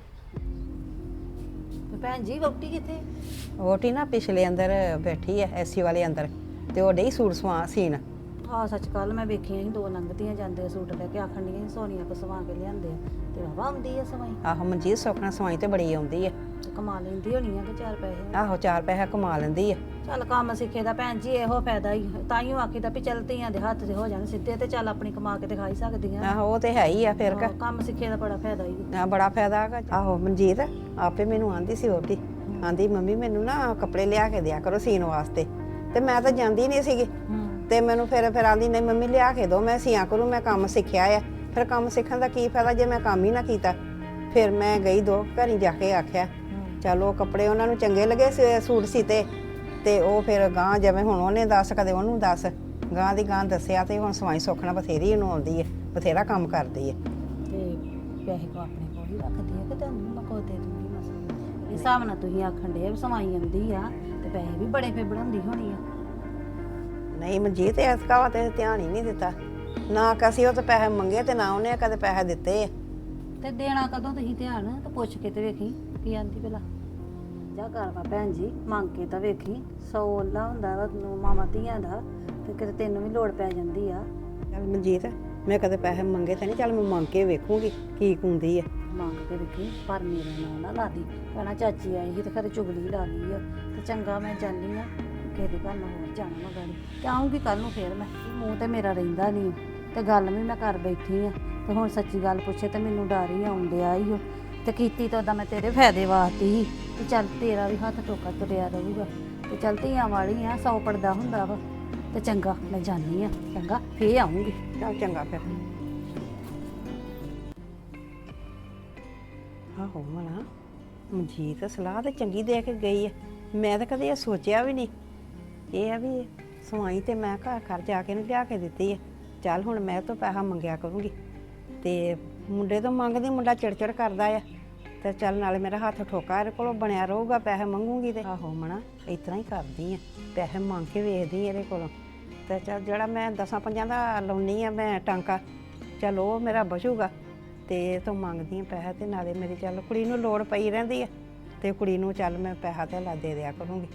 D: ਭੈਣ ਜੀ ਵਹੁਟੀ ਕਿੱਥੇ?
B: ਵਹੁਟੀ ਨਾ ਪਿਛਲੇ ਅੰਦਰ ਬੈਠੀ ਐ, ਏਸੀ ਵਾਲੇ ਅੰਦਰ, ਤੇ ਉਹ ਡਈ ਸੂਟ ਸਵਾ ਸੀਨ।
D: ਆਹ ਸੱਚ ਕੱਲ ਮੈਂ ਵੇਖੀਆਂ ਸੀ ਦੋ ਲੰਘਦੀਆਂ ਜਾਂਦੇ ਸੂਟ ਲੈ ਕੇ, ਆਖਣ ਡੀਆਂ ਸੋਨੀਆ ਕੋ ਸਵਾ ਕੇ ਲਿਆਂਦੇ ਆ ਤੇ ਵਾਵਾ ਆਉਂਦੀ ਆ ਸਵਾਈ।
B: ਆਹੋ ਮਨਜੀਤ ਸੁੱਖਣਾ ਸਵਾਈ ਤੇ ਬੜੀ ਆਉਂਦੀ ਐ।
D: ਤੇ ਕਮਾ ਲੈਂਦੀ ਹੋਣੀ ਆ ਕਿ ਚਾਰ ਪੈਸੇ।
B: ਆਹੋ ਚਾਰ ਪੈਸਾ ਕਮਾ ਲੈਂਦੀ ਐ।
D: ਚੱਲ ਕੰਮ ਸਿੱਖੇ ਦਾ ਭੈਣ ਜੀ ਇਹੋ ਫਾਇਦਾ ਹੀ, ਤਾਈਓ ਆਖੀਦਾ ਵੀ ਚੱਲ ਧੀਆਂ ਦੇ ਹੱਥ ਤੇ ਹੋ ਜਾਣ ਸਿੱਧੇ ਤੇ ਚੱਲ ਆਪਣੀ ਕਮਾ ਕੇ ਤੇ ਖਾਈ ਸਕਦੀਆਂ।
B: ਆਹੋ ਉਹ ਤੇ ਹੈ ਹੀ ਆ ਫਿਰ।
D: ਹਾਂ, ਕੰਮ ਸਿੱਖੇ ਦਾ ਬੜਾ ਫਾਇਦਾ ਹੀ।
B: ਆ ਬੜਾ ਫਾਇਦਾ ਹੈਗਾ। ਆਹੋ ਮਨਜੀਤ ਆਪੇ ਮੈਨੂੰ ਆਂਦੀ ਸੀ ਵਹੁਟੀ, ਆਂਦੀ ਮੰਮੀ ਮੈਨੂੰ ਨਾ ਕੱਪੜੇ ਲਿਆ ਕੇ ਦਿਆ ਕਰੋ ਸੀਨ ਵਾਸਤੇ, ਤੇ ਮੈਂ ਤਾਂ ਜਾਂਦੀ ਨਹੀਂ ਸੀਗੀ। ਤੇ ਮੈਨੂੰ ਫਿਰ ਫਿਰ ਆਂਦੀ ਨਹੀਂ ਮੰਮੀ ਲਿਆ ਕੇ ਦੋ, ਮੈਂ ਸੀਆਂ ਕਰੂੰ, ਮੈਂ ਕੰਮ ਸਿੱਖਿਆ ਆ। ਫਿਰ ਕੰਮ ਸਿੱਖਣ ਦਾ ਕੀ ਫਾਇਦਾ ਜੇ ਮੈਂ ਕੰਮ ਹੀ ਨਾ ਕੀਤਾ। ਫਿਰ ਮੈਂ ਗਈ ਦੋ ਘਰੀ ਜਾ ਕੇ ਆਖਿਆ ਚਲੋ ਕੱਪੜੇ ਉਹਨਾਂ ਨੂੰ ਚੰਗੇ ਲੱਗੇ ਸੂਟ ਸੀਤੇ, ਤੇ ਉਹ ਫਿਰ ਗਾਂ ਜਿਵੇਂ ਹੁਣ ਉਹਨੇ ਦੱਸ ਕਦੇ ਉਹਨੂੰ ਦੱਸ ਗਾਂ ਦੀ ਗਾਂ ਦੱਸਿਆ, ਤੇ ਹੁਣ ਸਵਾਈ ਸੁੱਖਣਾ ਬਥੇਰੀ ਇਹਨੂੰ ਆਉਂਦੀ ਹੈ, ਬਥੇਰਾ ਕੰਮ ਕਰਦੀ ਹੈ।
D: ਤੇ ਪੈਸੇ ਕੋ ਆਪਣੇ ਕੋਲ ਹੀ ਰੱਖਦੀ ਆ ਕਿ ਤੁਹਾਨੂੰ ਮੈਂ ਕੋ ਦੇ ਦੂੰਗੀ ਮਸਾਂ। ਇਸ ਹਿਸਾਬ ਨਾਲ ਤੁਸੀਂ ਆਖਣ ਦੇ ਵੀ ਸਵਾਈ ਆਉਂਦੀ ਆ ਤੇ ਪੈਸੇ ਵੀ ਬੜੇ ਫੇ ਬਣਾਉਂਦੀ ਹੋਣੀ ਆ।
B: ਨਹੀਂ ਮਨਜੀਤ ਇਸ ਕਾਵਾ ਤੇ ਧਿਆਨ ਹੀ ਨਹੀਂ ਦਿੱਤਾ ਨਾ, ਕਸੀ ਉਹ ਤਾਂ ਪੈਸੇ ਮੰਗੇ ਤੇ ਨਾ ਉਹਨੇ ਕਦੇ ਪੈਸੇ ਦਿੱਤੇ ਆ।
D: ਤੇ ਦੇਣਾ ਕਦੋਂ ਤੁਸੀਂ ਧਿਆਨ ਤਾਂ ਪੁੱਛ ਕੇ ਤੇ ਵੇਖੀ ਕੀ ਆਂਦੀ ਭਲਾ। ਜਾ ਘਰ ਵਾ ਭੈਣ ਜੀ ਮੰਗ ਕੇ ਤਾਂ ਵੇਖੀ, ਸੌ ਓਲਾ ਹੁੰਦਾ ਵਾ ਮਾਵਾਂ ਧੀਆਂ ਦਾ, ਤੇ ਕਿਤੇ ਤੈਨੂੰ ਵੀ ਲੋੜ ਪੈ ਜਾਂਦੀ ਆ।
B: ਚੱਲ ਮਨਜੀਤ ਮੈਂ ਕਦੇ ਪੈਸੇ ਮੰਗੇ ਤਾਂ ਨਹੀਂ, ਚੱਲ ਮੈਂ ਮੰਗ ਕੇ ਵੇਖੂੰਗੀ ਕੀ ਕੁੰਦੀ ਆ।
D: ਮੰਗ ਕੇ ਵੇਖੀ ਪਰ ਮੇਰਾ ਨਾਂ ਨਾ ਲਾ ਦੀ, ਕਹਿਣਾ ਚਾਚੀ ਆਈ ਸੀ ਤੇ ਘਰੇ ਚੁਗਲੀ ਲਾ ਲਈ ਆ। ਤੇ ਚੰਗਾ ਮੈਂ ਜਾਂਦੀ ਆ ਕਿਸੇ ਦੇ ਘਰ ਨਾਲ ਹੋਰ ਜਾਣਾ ਮੈਂ ਗਾੜੀ, ਤੇ ਆਉਂਗੀ ਕੱਲ ਨੂੰ ਫੇਰ। ਮੈਂ ਮੂੰਹ ਤੇ ਮੇਰਾ ਰਹਿੰਦਾ ਨਹੀਂ ਤੇ ਗੱਲ ਵੀ ਮੈਂ ਕਰ ਬੈਠੀ ਆ, ਤੇ ਹੁਣ ਸੱਚੀ ਗੱਲ ਪੁੱਛੇ ਤੇ ਮੈਨੂੰ ਡਰ ਹੀ ਆਉਣ ਡਿਆ ਈ ਓ। ਤੇ ਕੀਤੀ ਤਾਂ ਉਦਾਂ ਮੈਂ ਤੇਰੇ ਫਾਇਦੇ ਵਾਸਤੇ ਹੀ, ਤੇ ਚੱਲ ਤੇਰਾ ਵੀ ਹੱਥ ਟੋਕਾ ਤੁਰਿਆ ਰਹੂਗਾ। ਤੇ ਚੱਲ ਧੀਆਂ ਵਾਲੀ ਆ, ਸੌ ਪੜਦਾ ਹੁੰਦਾ ਵਾ। ਤੇ ਚੰਗਾ ਮੈਂ ਜਾਂਦੀ ਆ, ਚੰਗਾ ਫੇਰ ਆਉਂਗੀ।
B: ਚੱਲ ਚੰਗਾ ਫਿਰ। ਆਹੋ ਮਨਾ ਮਨਜੀਤ ਸਲਾਹ ਤਾਂ ਚੰਗੀ ਦੇ ਕੇ ਗਈ ਆ, ਮੈਂ ਤਾਂ ਕਦੇ ਇਹ ਸੋਚਿਆ ਵੀ ਨਹੀਂ। ਇਹ ਆ ਵੀ ਸਵਾਈ ਤੇ ਮੈਂ ਘਰ ਘਰ ਜਾ ਕੇ ਨੂੰ ਲਿਆ ਕੇ ਦਿੱਤੀ ਆ। ਚੱਲ ਹੁਣ ਮੈਂ ਤੋਂ ਪੈਸਾ ਮੰਗਿਆ ਕਰੂੰਗੀ, ਤੇ ਮੁੰਡੇ ਤੋਂ ਮੰਗਦੀ ਮੁੰਡਾ ਚਿੜਚਿੜ ਕਰਦਾ ਆ, ਤੇ ਚੱਲ ਨਾਲੇ ਮੇਰਾ ਹੱਥ ਠੋਕਾ ਇਹਦੇ ਕੋਲੋਂ ਬਣਿਆ ਰਹੂਗਾ। ਪੈਸੇ ਮੰਗੂਗੀ ਤੇ ਆਹੋ ਮਣਾ ਇਸ ਤਰ੍ਹਾਂ ਹੀ ਕਰਦੀ ਆ, ਪੈਸੇ ਮੰਗ ਕੇ ਵੇਖਦੀ ਇਹਦੇ ਕੋਲੋਂ। ਤੇ ਚੱਲ ਜਿਹੜਾ ਮੈਂ ਦਸਾਂ ਪੰਜਾਂ ਦਾ ਲਾਉਣੀ ਆ ਮੈਂ ਟਾਂਕਾ, ਚੱਲ ਉਹ ਮੇਰਾ ਬਚੂਗਾ। ਤੇ ਤੂੰ ਮੰਗਦੀ ਆ ਪੈਸੇ, ਤੇ ਨਾਲੇ ਮੇਰੀ ਚੱਲ ਕੁੜੀ ਨੂੰ ਲੋੜ ਪਈ ਰਹਿੰਦੀ ਆ, ਤੇ ਕੁੜੀ ਨੂੰ ਚੱਲ ਮੈਂ ਪੈਸਾ ਤੇ ਲਾ ਦੇ ਦਿਆ ਕਰੂੰਗੀ।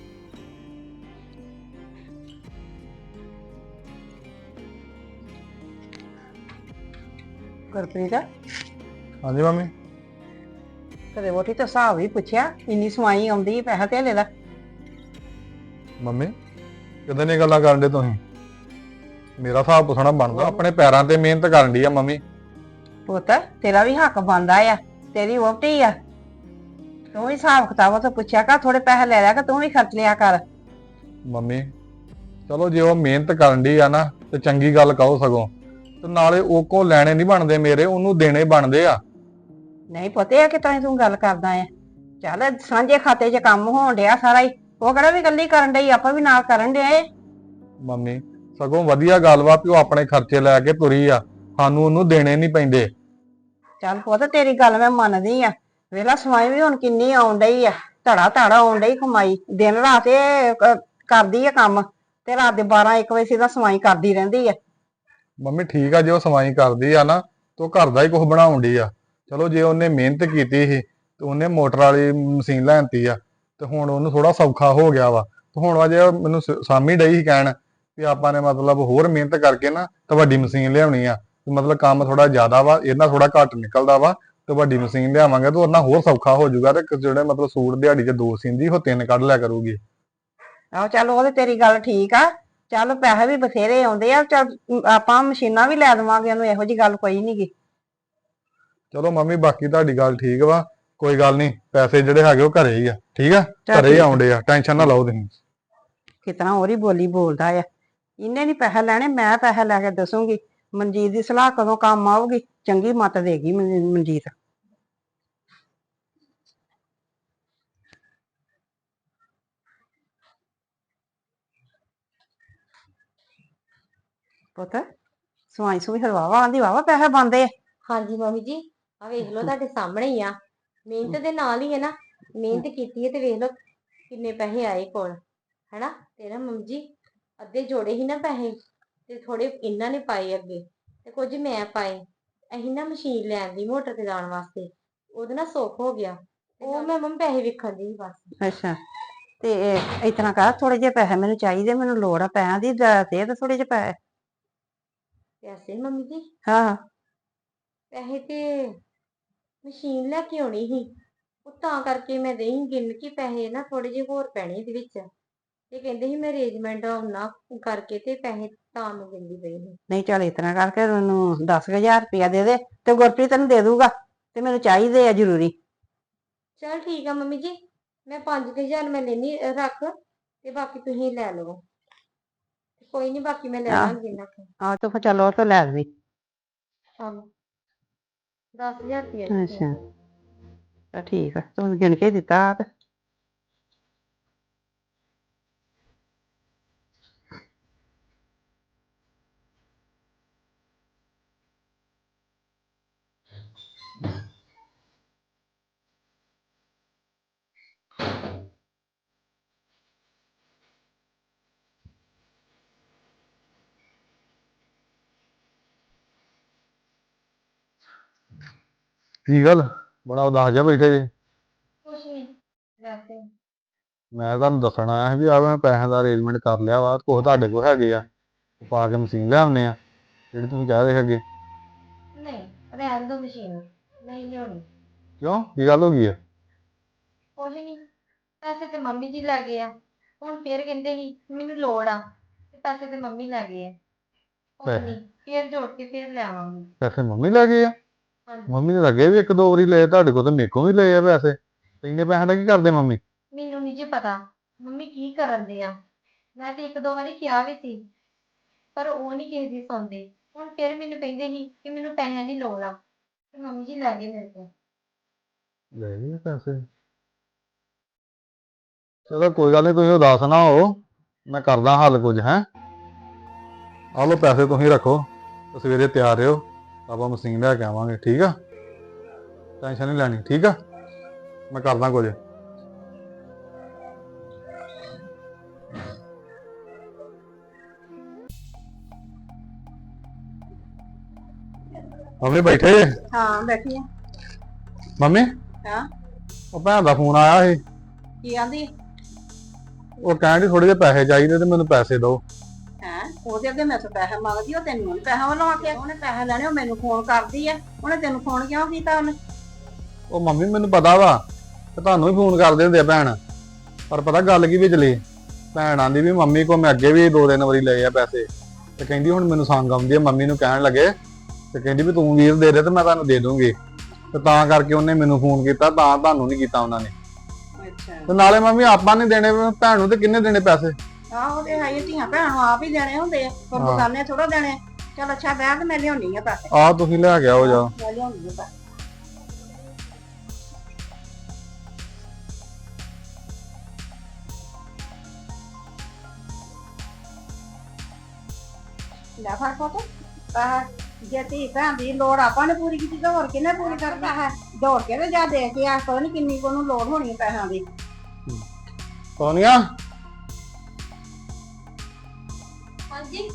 B: ਗੁਰਪ੍ਰੀਤ
C: ਹਾਂਜੀ ਮੰਮੀ।
B: ਕਦੇ ਵੋਟੀ ਤਾਂ ਹਿਸਾਬ ਹੀ ਪੁੱਛਿਆ, ਇੰਨੀ ਸਵਾਈ ਆਉਂਦੀ ਪੈਸਾ ਧੇਲੇ ਦਾ।
C: ਮੰਮੀ ਕਿਦਾਂ ਦੀਆਂ ਗੱਲਾਂ ਕਰਨ ਦੇ ਤੁਸੀਂ? ਮੇਰਾ ਹਿਸਾਬ ਪੁੱਛਣਾ ਬਣਦਾ, ਆਪਣੇ ਪੈਰਾਂ ਤੇ ਮਿਹਨਤ ਕਰਨ ਦੀ ਆ ਮੰਮੀ।
B: ਪੁੱਤ ਤੇਰਾ ਵੀ ਹੱਕ ਬਣਦਾ ਆ, ਤੇਰੀ ਵਹੁਟੀ ਆ, ਤੂੰ ਵੀ ਹਿਸਾਬ ਕਿਤਾਬ ਤੋਂ ਪੁੱਛਿਆ ਕਰ, ਥੋੜੇ ਪੈਸੇ ਲੈ ਲਿਆ ਕਿ ਤੂੰ ਵੀ ਖਰਚ ਲਿਆ ਕਰ।
C: ਮੰਮੀ ਚਲੋ ਜੇ ਉਹ ਮਿਹਨਤ ਕਰਨ ਦੀ ਆ ਨਾ ਤੇ ਚੰਗੀ ਗੱਲ ਕਹੋ ਸਗੋਂ, ਤੇ ਨਾਲੇ ਉਹ ਕੋ ਲੈਣੇ ਨਹੀਂ ਬਣਦੇ ਮੇਰੇ, ਉਹਨੂੰ ਦੇਣੇ ਬਣਦੇ ਆ।
B: ਨਹੀਂ ਪਤਾ ਕਿ ਤਾਂ ਤੂੰ ਗੱਲ ਕਰਦਾ ਆ, ਚੱਲ ਸਾਂਝੇ ਖਾਤੇ 'ਚ ਕੰਮ ਹੋਣ ਡਿਆ ਸਾਰਾ ਹੀ, ਉਹ ਕਿਹੜਾ ਵੀ ਇਕੱਲੀ ਕਰਨ ਡਈ, ਆਪਾਂ ਵੀ ਨਾਲ ਕਰਨ ਡਿਆ।
C: ਮੰਮੀ ਸਗੋਂ ਵਧੀਆ ਗੱਲ ਵਾ ਵੀ ਉਹ ਆਪਣੇ ਖਰਚੇ ਲੈ ਕੇ ਤੁਰੀ ਆ, ਸਾਨੂੰ ਉਹਨੂੰ ਦੇਣੇ ਨਹੀਂ ਪੈਂਦੇ।
B: ਚੱਲ ਪੁੱਤ ਤੇਰੀ ਗੱਲ ਮੈਂ ਮੰਨਦੀ ਆ, ਵੇਲਾ ਸਮਾਈ ਵੀ ਹੁਣ ਕਿੰਨੀ ਆਉਣ ਡਈ ਆ, ਧੜਾ ਧੜਾ ਆਉਣ ਡਈ ਕਮਾਈ, ਦਿਨ ਰਾਤ ਇਹ ਕ- ਕਰਦੀ ਆ ਕੰਮ, ਤੇ ਰਾਤ ਦੇ ਬਾਰਾਂ ਇੱਕ ਵਜੇ ਸਿੱਧਾ ਸਮਾਈ ਕਰਦੀ ਰਹਿੰਦੀ ਆ।
C: ਮੰਮੀ ਠੀਕ ਆ, ਜੇ ਉਹ ਸਵਾਈ ਕਰਦੀ ਆ ਨਾ ਤੇ ਉਹ ਘਰ ਦਾ ਹੀ ਕੁਝ ਬਣਾਉਣ ਡਈ ਆ। ਚਲੋ ਜੇ ਉਹਨੇ ਮਿਹਨਤ ਕੀਤੀ ਸੀ ਤੇ ਉਹਨੇ ਮੋਟਰ ਵਾਲੀ ਮਸ਼ੀਨ ਲੈਣਤੀ ਆ, ਤੇ ਹੁਣ ਉਹਨੂੰ ਥੋੜਾ ਸੌਖਾ ਹੋ ਗਿਆ ਵਾ। ਤੇ ਹੁਣ ਅਜੇ ਮੈਨੂੰ ਸ- ਸਾਮੀ ਡਈ ਸੀ ਕਹਿਣ ਵੀ ਆਪਾਂ ਨੇ ਮਤਲਬ ਹੋਰ ਮਿਹਨਤ ਕਰਕੇ ਨਾ ਤੇ ਵੱਡੀ ਮਸ਼ੀਨ ਲਿਆਉਣੀ ਆ, ਤੇ ਮਤਲਬ ਕੰਮ ਥੋੜਾ ਜ਼ਿਆਦਾ ਵਾ, ਇਹਨਾਂ ਥੋੜਾ ਘੱਟ ਨਿਕਲਦਾ ਵਾ, ਤੇ ਵੱਡੀ ਮਸ਼ੀਨ ਲਿਆਵਾਂਗੇ ਤੇ ਉਹਨਾਂ ਹੋਰ ਸੌਖਾ ਹੋ ਜਾਊਗਾ, ਤੇ ਜਿਹੜੇ ਮਤਲਬ ਸੂਟ ਦਿਹਾੜੀ 'ਚ ਦੋ ਸੀਂਦੀ ਉਹ ਤਿੰਨ ਕੱਢ ਲਿਆ ਕਰੂਗੀ।
B: ਆਹੋ ਚੱਲ ਉਹ ਤੇ ਤੇਰੀ ਗੱਲ ਠੀਕ ਆ, ਚੱਲ ਪੈਸੇ ਵੀ ਬਥੇਰੇ ਆਉਂਦੇ ਆ, ਚੱਲ ਆਪਾਂ ਮਸ਼ੀਨਾਂ ਵੀ ਲੈ ਦੇਵਾਂਗੇ ਉਹਨੂੰ, ਇਹੋ ਜੀ ਗੱਲ ਕੋਈ ਨੀ ਗੀ।
C: ਚਲੋ ਮੰਮੀ ਬਾਕੀ ਤੁਹਾਡੀ ਗੱਲ ਠੀਕ ਵਾ, ਕੋਈ ਗੱਲ ਨਹੀਂ, ਪੈਸੇ ਜਿਹੜੇ ਹੈਗੇ ਉਹ ਘਰੇ ਹੀ ਆ, ਠੀਕ ਆ, ਘਰੇ ਹੀ ਆਉਂਦੇ ਆ, ਟੈਨਸ਼ਨ ਨਾ ਲਓ ਤੁਸੀਂ।
B: ਕਿਤਨਾ ਉਹਦੀ ਬੋਲੀ ਬੋਲਦਾ ਆ, ਇਹਨੇ ਨੀ ਪੈਸੇ ਲੈਣੇ, ਮੈਂ ਪੈਸੇ ਲੈ ਕੇ ਦੱਸੂਗੀ। ਮਨਜੀਤ ਦੀ ਸਲਾਹ ਕਦੋਂ ਕੰਮ ਆਊਗੀ, ਚੰਗੀ ਮੱਤ ਦੇਗੀ ਮਨ- ਮਨਜੀਤ। ਪੁੱਤ ਸਵਾਈ ਸੂਈ ਹਲਵਾਵਾ ਆਂਦੀ ਵਾਵਾ ਪੈਸੇ ਬਣਦੇ ਆ।
A: ਹਾਂਜੀ ਮੰਮੀ ਜੀ, ਆ ਵੇਖ ਲਓ ਤੁਹਾਡੇ ਸਾਹਮਣੇ ਹੀ ਆ, ਮਿਹਨਤ ਦੇ ਨਾਲ ਹੀ ਹੈ ਨਾ, ਮਿਹਨਤ ਕੀਤੀ ਹੈ ਤੇ ਵੇਖ ਲਓ ਕਿੰਨੇ ਪੈਸੇ ਆਏ ਕੋਲ, ਹੈਨਾ। ਤੇ ਨਾ ਮੰਮੀ ਜੀ ਅੱਧੇ ਜੋੜੇ ਹੀ ਨਾ ਪੈਸੇ, ਤੇ ਥੋੜੇ ਇਹਨਾਂ ਨੇ ਪਾਏ ਅੱਗੇ, ਤੇ ਕੁਝ ਮੈਂ ਪਾਏ। ਅਸੀਂ ਨਾ ਮਸ਼ੀਨ ਲੈਣ ਦੀ ਮੋਟਰ ਤੇ ਲਾਉਣ ਵਾਸਤੇ, ਉਹਦੇ ਨਾਲ ਸੁੱਖ ਹੋ ਗਿਆ, ਉਹ ਮੈਂ ਮੰਮੀ ਪੈਸੇ ਵੇਖਣ ਦੀ ਬਸ।
B: ਅੱਛਾ, ਤੇ ਇਸ ਤਰ੍ਹਾਂ ਕਰ, ਥੋੜੇ ਜਿਹੇ ਪੈਸੇ ਮੈਨੂੰ ਚਾਹੀਦੇ, ਮੈਨੂੰ ਲੋੜ ਆ ਪੈਸਿਆਂ ਦੀ, ਦੇ ਤੇ ਥੋੜੇ ਜਿਹੇ ਪੈਸੇ।
A: ਪੈਸੇ ਮੰਮੀ ਜੀ?
B: ਹਾਂ
A: ਪੈਸੇ ਤੇ ਮਸ਼ੀਨ ਲੈ ਕੇ ਆਉਣੀ ਸੀ, ਉਹ ਤਾਂ ਕਰਕੇ ਮੈਂ ਦੇਈ ਗਿਣ ਕੇ ਪੈਸੇ ਨਾ ਥੋੜੇ ਜਿਹੇ ਹੋਰ ਪੈਣੇ ਇਹਦੇ ਵਿੱਚ, ਇਹ ਕਹਿੰਦੇ ਸੀ ਮੈਂ ਅਰੇਂਜਮੈਂਟ ਉਹਨਾਂ ਕਰਕੇ ਤੇ ਪੈਸੇ ਤਾਂ ਮੈਂ ਗਿਣਦੀ ਪਈ ਸੀ।
B: ਨਹੀਂ ਚੱਲ ਇਸ ਤਰ੍ਹਾਂ ਕਰਕੇ ਮੈਨੂੰ ਦਸ ਹਜ਼ਾਰ ਰੁਪਇਆ ਦੇ ਦੇ, ਤੇ ਗੁਰਪ੍ਰੀਤ ਤੈਨੂੰ ਦੇ ਦੂਗਾ, ਤੇ ਮੈਨੂੰ ਚਾਹੀਦੇ ਆ ਜ਼ਰੂਰੀ।
A: ਚਲ ਠੀਕ ਆ ਮੰਮੀ ਜੀ, ਮੈਂ ਪੰਜ ਕੁ ਹਜ਼ਾਰ ਮੈਂ ਲੈਣੀ ਰੱਖ, ਤੇ ਬਾਕੀ ਤੁਸੀਂ ਲੈ ਲਓ, ਕੋਈ ਨਹੀਂ ਬਾਕੀ ਮੈਂ ਲੈ
B: ਆਹ।
A: ਲਾਂਗੀ ਇਹਨਾਂ ਕੋਲ।
B: ਆਹ ਤੂੰ ਫਿਰ ਚੱਲ ਉਹ ਤੋਂ ਲੈ ਲਵੀਂ।
A: ਚਲੋ ਦਸ ਹਜ਼ਾਰ ਰੁਪਇਆ
B: ਅੱਛਾ ਤਾਂ ਠੀਕ ਆ, ਤੂੰ ਗਿਣ ਕੇ ਦਿੱਤਾ ਆ ਤੇ।
C: ਕੀ ਗੱਲ ਬੜਾ ਉਦਾਸ ਜਿਹਾ ਬੈਠੇ ਜੇ?
A: ਕੁਛ ਨਹੀਂ ਵੈਸੇ।
C: ਮੈਂ ਤੁਹਾਨੂੰ ਦੱਸਣ ਆਇਆ ਸੀ ਵੀ ਆ ਮੈਂ ਪੈਸਿਆਂ ਦਾ ਅਰੇਂਜਮੈਂਟ ਕਰ ਲਿਆ ਵਾ, ਕੁਛ ਤੁਹਾਡੇ ਕੋਲ ਹੈਗੇ ਆ, ਪਾ ਕੇ ਮਸ਼ੀਨ ਲਿਆਉਂਦੇ ਆ ਜਿਹੜੀ ਤੁਸੀਂ ਕਹਿ ਰਹੇ ਹੈਗੇ।
A: ਨਹੀਂ ਰਹਿਣ ਦੋ ਮਸ਼ੀਨ, ਨਹੀਂ ਲਿਆਉਣੀ।
C: ਕਿਉਂ, ਕੀ ਗੱਲ ਹੋ ਗਈ ਆ?
A: ਕੁਛ ਨਹੀਂ, ਪੈਸੇ ਤੇ ਮੰਮੀ ਜੀ ਲੈ ਗਏ ਆ, ਹੁਣ ਫੇਰ ਕਹਿੰਦੇ ਸੀ ਮੈਨੂੰ ਲੋੜ ਆ, ਤੇ ਪੈਸੇ ਤੇ ਮੰਮੀ ਲੈ ਗਏ ਆ, ਹੁਣ ਨਹੀਂ ਫੇਰ ਜੋੜ ਕੇ ਫੇਰ ਲੈ ਆਵਾਂਗੀ।
C: ਪੈਸੇ ਮੰਮੀ ਲੈ ਗਏ ਆ?
A: ਹਾਂਜੀ
C: ਮੰਮੀ ਨੇ ਲੱਗੇ ਵੀ ਇੱਕ ਦੋ ਵਾਰੀ ਲਏ ਤੁਹਾਡੇ ਕੋਲ, ਤੇ ਮੇਰੇ ਕੋਲ ਵੀ ਲਏ ਆ ਪੈਸੇ, ਤੇ ਇੰਨੇ ਪੈਸਿਆਂ ਦਾ ਕੀ ਕਰਦੇ ਮੰਮੀ?
A: ਮੈਨੂੰ ਨਹੀਂ ਜੀ ਪਤਾ ਮੰਮੀ ਕੀ ਕਰਨ ਦੇ ਆ, ਮੈਂ ਤੇ ਇੱਕ ਦੋ ਵਾਰੀ ਕਿਹਾ ਵੀ ਸੀ, ਪਰ ਉਹ ਨਹੀਂ ਕਿਸੇ ਦੀ ਸੁਣਦੇ, ਹੁਣ ਫੇਰ ਮੈਨੂੰ ਕਹਿੰਦੇ ਸੀ ਕਿ ਮੈਨੂੰ ਪੈਸਿਆਂ ਦੀ ਲੋੜ ਆ, ਤੇ ਮੰਮੀ ਜੀ ਲੈ ਗਏ ਮੇਰੇ ਕੋਲ।
C: ਲੈ ਗਏ ਆ ਪੈਸੇ? ਚਲੋ ਕੋਈ ਗੱਲ ਨਹੀਂ, ਤੁਸੀਂ ਉਦਾਸ ਨਾ ਹੋ, ਮੈਂ ਕਰਦਾ ਹੱਲ ਕੁਝ। ਹੈ ਆਹ ਲਓ ਪੈਸੇ ਤੁਸੀਂ ਰੱਖੋ, ਤੇ ਸਵੇਰੇ ਤਿਆਰ ਰਹੋ, ਆਪਾਂ ਮਸ਼ੀਨ ਲੈ ਕੇ ਆਵਾਂਗੇ, ਠੀਕ ਆ? ਟੈਨਸ਼ਨ ਨਹੀਂ ਲੈਣੀ, ਠੀਕ ਆ? ਮੈਂ ਕਰਦਾ ਕੁਝ। ਮੰਮੀ ਬੈਠੇ ਜੇ?
B: ਹਾਂ ਬੈਠੀ ਆ।
C: ਮੰਮੀ
B: ਹਾਂ
C: ਉਹ ਭੈਣ ਦਾ ਫੋਨ ਆਇਆ ਸੀ,
B: ਕੀ ਆਂਦੀ
C: ਉਹ ਕਹਿੰਦੀ ਥੋੜੇ ਜਿਹੇ ਪੈਸੇ ਚਾਹੀਦੇ ਤੇ ਮੈਨੂੰ ਪੈਸੇ ਦਿਓ।
B: ਹੈ? ਉਹਦੇ ਅੱਗੇ ਮੈਂ ਤੋਂ ਪੈਸੇ ਮੰਗਦੀ, ਉਹ ਤੈਨੂੰ ਨੀ ਪੈਸਾ ਵੱਲੋਂ ਆਖਿਆ, ਉਹਨੇ ਪੈਸੇ ਲੈਣੇ, ਉਹ ਮੈਨੂੰ ਫੋਨ ਕਰਦੀ ਆ, ਉਹਨੇ ਤੈਨੂੰ ਫੋਨ ਕਿਉਂ ਕੀਤਾ ਉਹਨੇ?
C: ਉਹ ਮੰਮੀ ਮੈਨੂੰ ਪਤਾ ਵਾ ਤੇ ਤੁਹਾਨੂੰ ਵੀ ਫੋਨ ਕਰਦੇ ਹੁੰਦੇ ਆ ਭੈਣ, ਪਰ ਪਤਾ ਗੱਲ ਕੀ ਵਿਚਲੀ, ਭੈਣ ਆਂਦੀ ਵੀ ਮੰਮੀ ਕੋ ਮੈਂ ਅੱਗੇ ਵੀ ਦੋ ਤਿੰਨ ਵਾਰੀ ਲਏ ਆ ਪੈਸੇ, ਤੇ ਕਹਿੰਦੀ ਹੁਣ ਮੈਨੂੰ ਸੰਗ ਆਉਂਦੀ ਆ, ਮੰਮੀ ਨੂੰ ਕਹਿਣ ਲੱਗੇ ਤੇ ਕਹਿੰਦੀ ਵੀ ਤੂੰ ਵੀਰ ਦੇ ਦੇ ਤੇ ਮੈਂ ਤੁਹਾਨੂੰ ਦੇ ਦੂੰਗੀ। ਤੇ ਤਾਂ ਕਰਕੇ ਉਹਨੇ ਮੈਨੂੰ ਫੋਨ ਕੀਤਾ, ਤਾਂ ਤੁਹਾਨੂੰ ਨਹੀਂ ਕੀਤਾ ਉਹਨਾਂ ਨੇ।
B: ਅੱਛਾ
C: ਤੇ ਨਾਲੇ ਮੰਮੀ ਆਪਾਂ ਨਹੀਂ ਦੇਣੇ ਭੈਣ ਨੂੰ, ਤੇ ਕਿੰਨੇ ਦੇਣੇ ਪੈਸੇ?
B: ਆਹੋ ਤੇ ਹੈ ਹੀ, ਧੀਆਂ ਭੈਣ ਨੂੰ ਆਪ ਹੀ ਦੇਣੇ ਹੁੰਦੇ ਆ, ਕੋਈ
C: ਹਾਂ।
B: ਬਗਾਨੇ ਥੋੜਾ ਦੇਣੇ। ਚਲ ਅੱਛਾ ਬਹਿ, ਤੇ ਮੈਂ ਲਿਆਉਣੀ ਆ ਪੈਸੇ।
C: ਆਹ ਤੁਸੀਂ ਲੈ ਕੇ ਆਓ ਜਾ।
B: ਮੈਂ ਲਿਆਉਣੀ ਆ ਪੈਸੇ। ਲੈ ਫੜ ਪੁੱਤ ਪੈਸੇ। ਜੇ ਧੀ ਭੈਣ ਦੀ ਲੋੜ ਆਪਾਂ ਨੇ ਪੂਰੀ ਕੀਤੀ ਤਾਂ ਹੋਰ ਕਿਹਨੇ ਪੂਰੀ ਕਰਨਾ ਹੈ? ਦੌੜ ਕੇ ਤੇ ਜਾ ਦੇ ਕੇ ਆ, ਪਤਾ ਨੀ ਕਿੰਨੀ ਕੋ ਨੂੰ ਲੋੜ ਹੋਣੀ ਹੈ ਪੈਸਿਆਂ ਦੀ।
C: ਸੋਨੀਆ
A: ਹਾਂਜੀ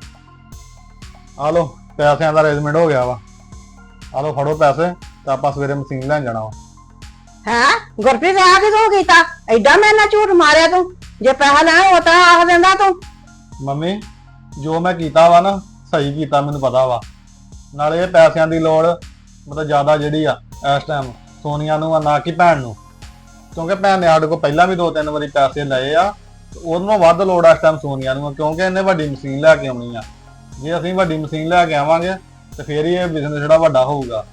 C: ਆ ਲੋ, ਪੈਸਿਆਂ ਦਾ ਅਰੇਂਜਮੈਂਟ ਹੋ ਗਿਆ ਵਾ। ਆ ਲੋ ਫੜੋ ਪੈਸੇ, ਤੇ ਆਪਾਂ ਸਵੇਰੇ ਮਸ਼ੀਨ ਲੈਣ ਜਾਣਾ ਵਾ।
B: ਹੈਂ ਗੁਰਪ੍ਰੀਤ ਆ ਕੇ ਤੂੰ ਕੀਤਾ ਐਡਾ ਮੈਂ ਨਾ ਝੂਠ ਮਾਰਿਆ ਤੂੰ? ਜੇ ਪੈਸਾ ਲੈਣਾ ਉਹ ਤਾਂ ਆਖ ਦਿੰਦਾ ਤੂੰ।
C: ਮੰਮੀ ਜੋ ਮੈਂ ਕੀਤਾ ਵਾ ਨਾ, ਸਹੀ ਕੀਤਾ, ਮੈਨੂੰ ਪਤਾ ਵਾ। ਨਾਲੇ ਇਹ ਪੈਸਿਆਂ ਦੀ ਲੋੜ ਮਤਲਬ ਜ਼ਿਆਦਾ ਜਿਹੜੀ ਆ ਇਸ ਟਾਈਮ ਸੋਨੀਆ ਨੂੰ ਆ, ਨਾ ਕਿ ਭੈਣ ਨੂੰ। ਕਿਉਂਕਿ ਭੈਣ ਨੇ ਸਾਡੇ ਕੋਲ ਪਹਿਲਾਂ ਵੀ ਦੋ ਤਿੰਨ ਵਾਰੀ ਪੈਸੇ ਲਏ ਆ, ਤੇ ਉਹਨੂੰ ਵੱਧ ਲੋੜ ਆ ਇਸ ਟਾਈਮ ਸੋਨੀਆ ਨੂੰ, ਕਿਉਂਕਿ ਇਹਨੇ ਵੱਡੀ ਮਸ਼ੀਨ ਲੈ ਕੇ ਆਉਣੀ ਆ। ਜੇ ਅਸੀਂ ਵੱਡੀ ਮਸ਼ੀਨ ਲੈ ਕੇ ਆਵਾਂਗੇ ਤੇ ਫੇਰ ਹੀ ਇਹ ਬਿਜ਼ਨਸ ਜਿਹੜਾ ਵੱਡਾ ਹੋਊਗਾ।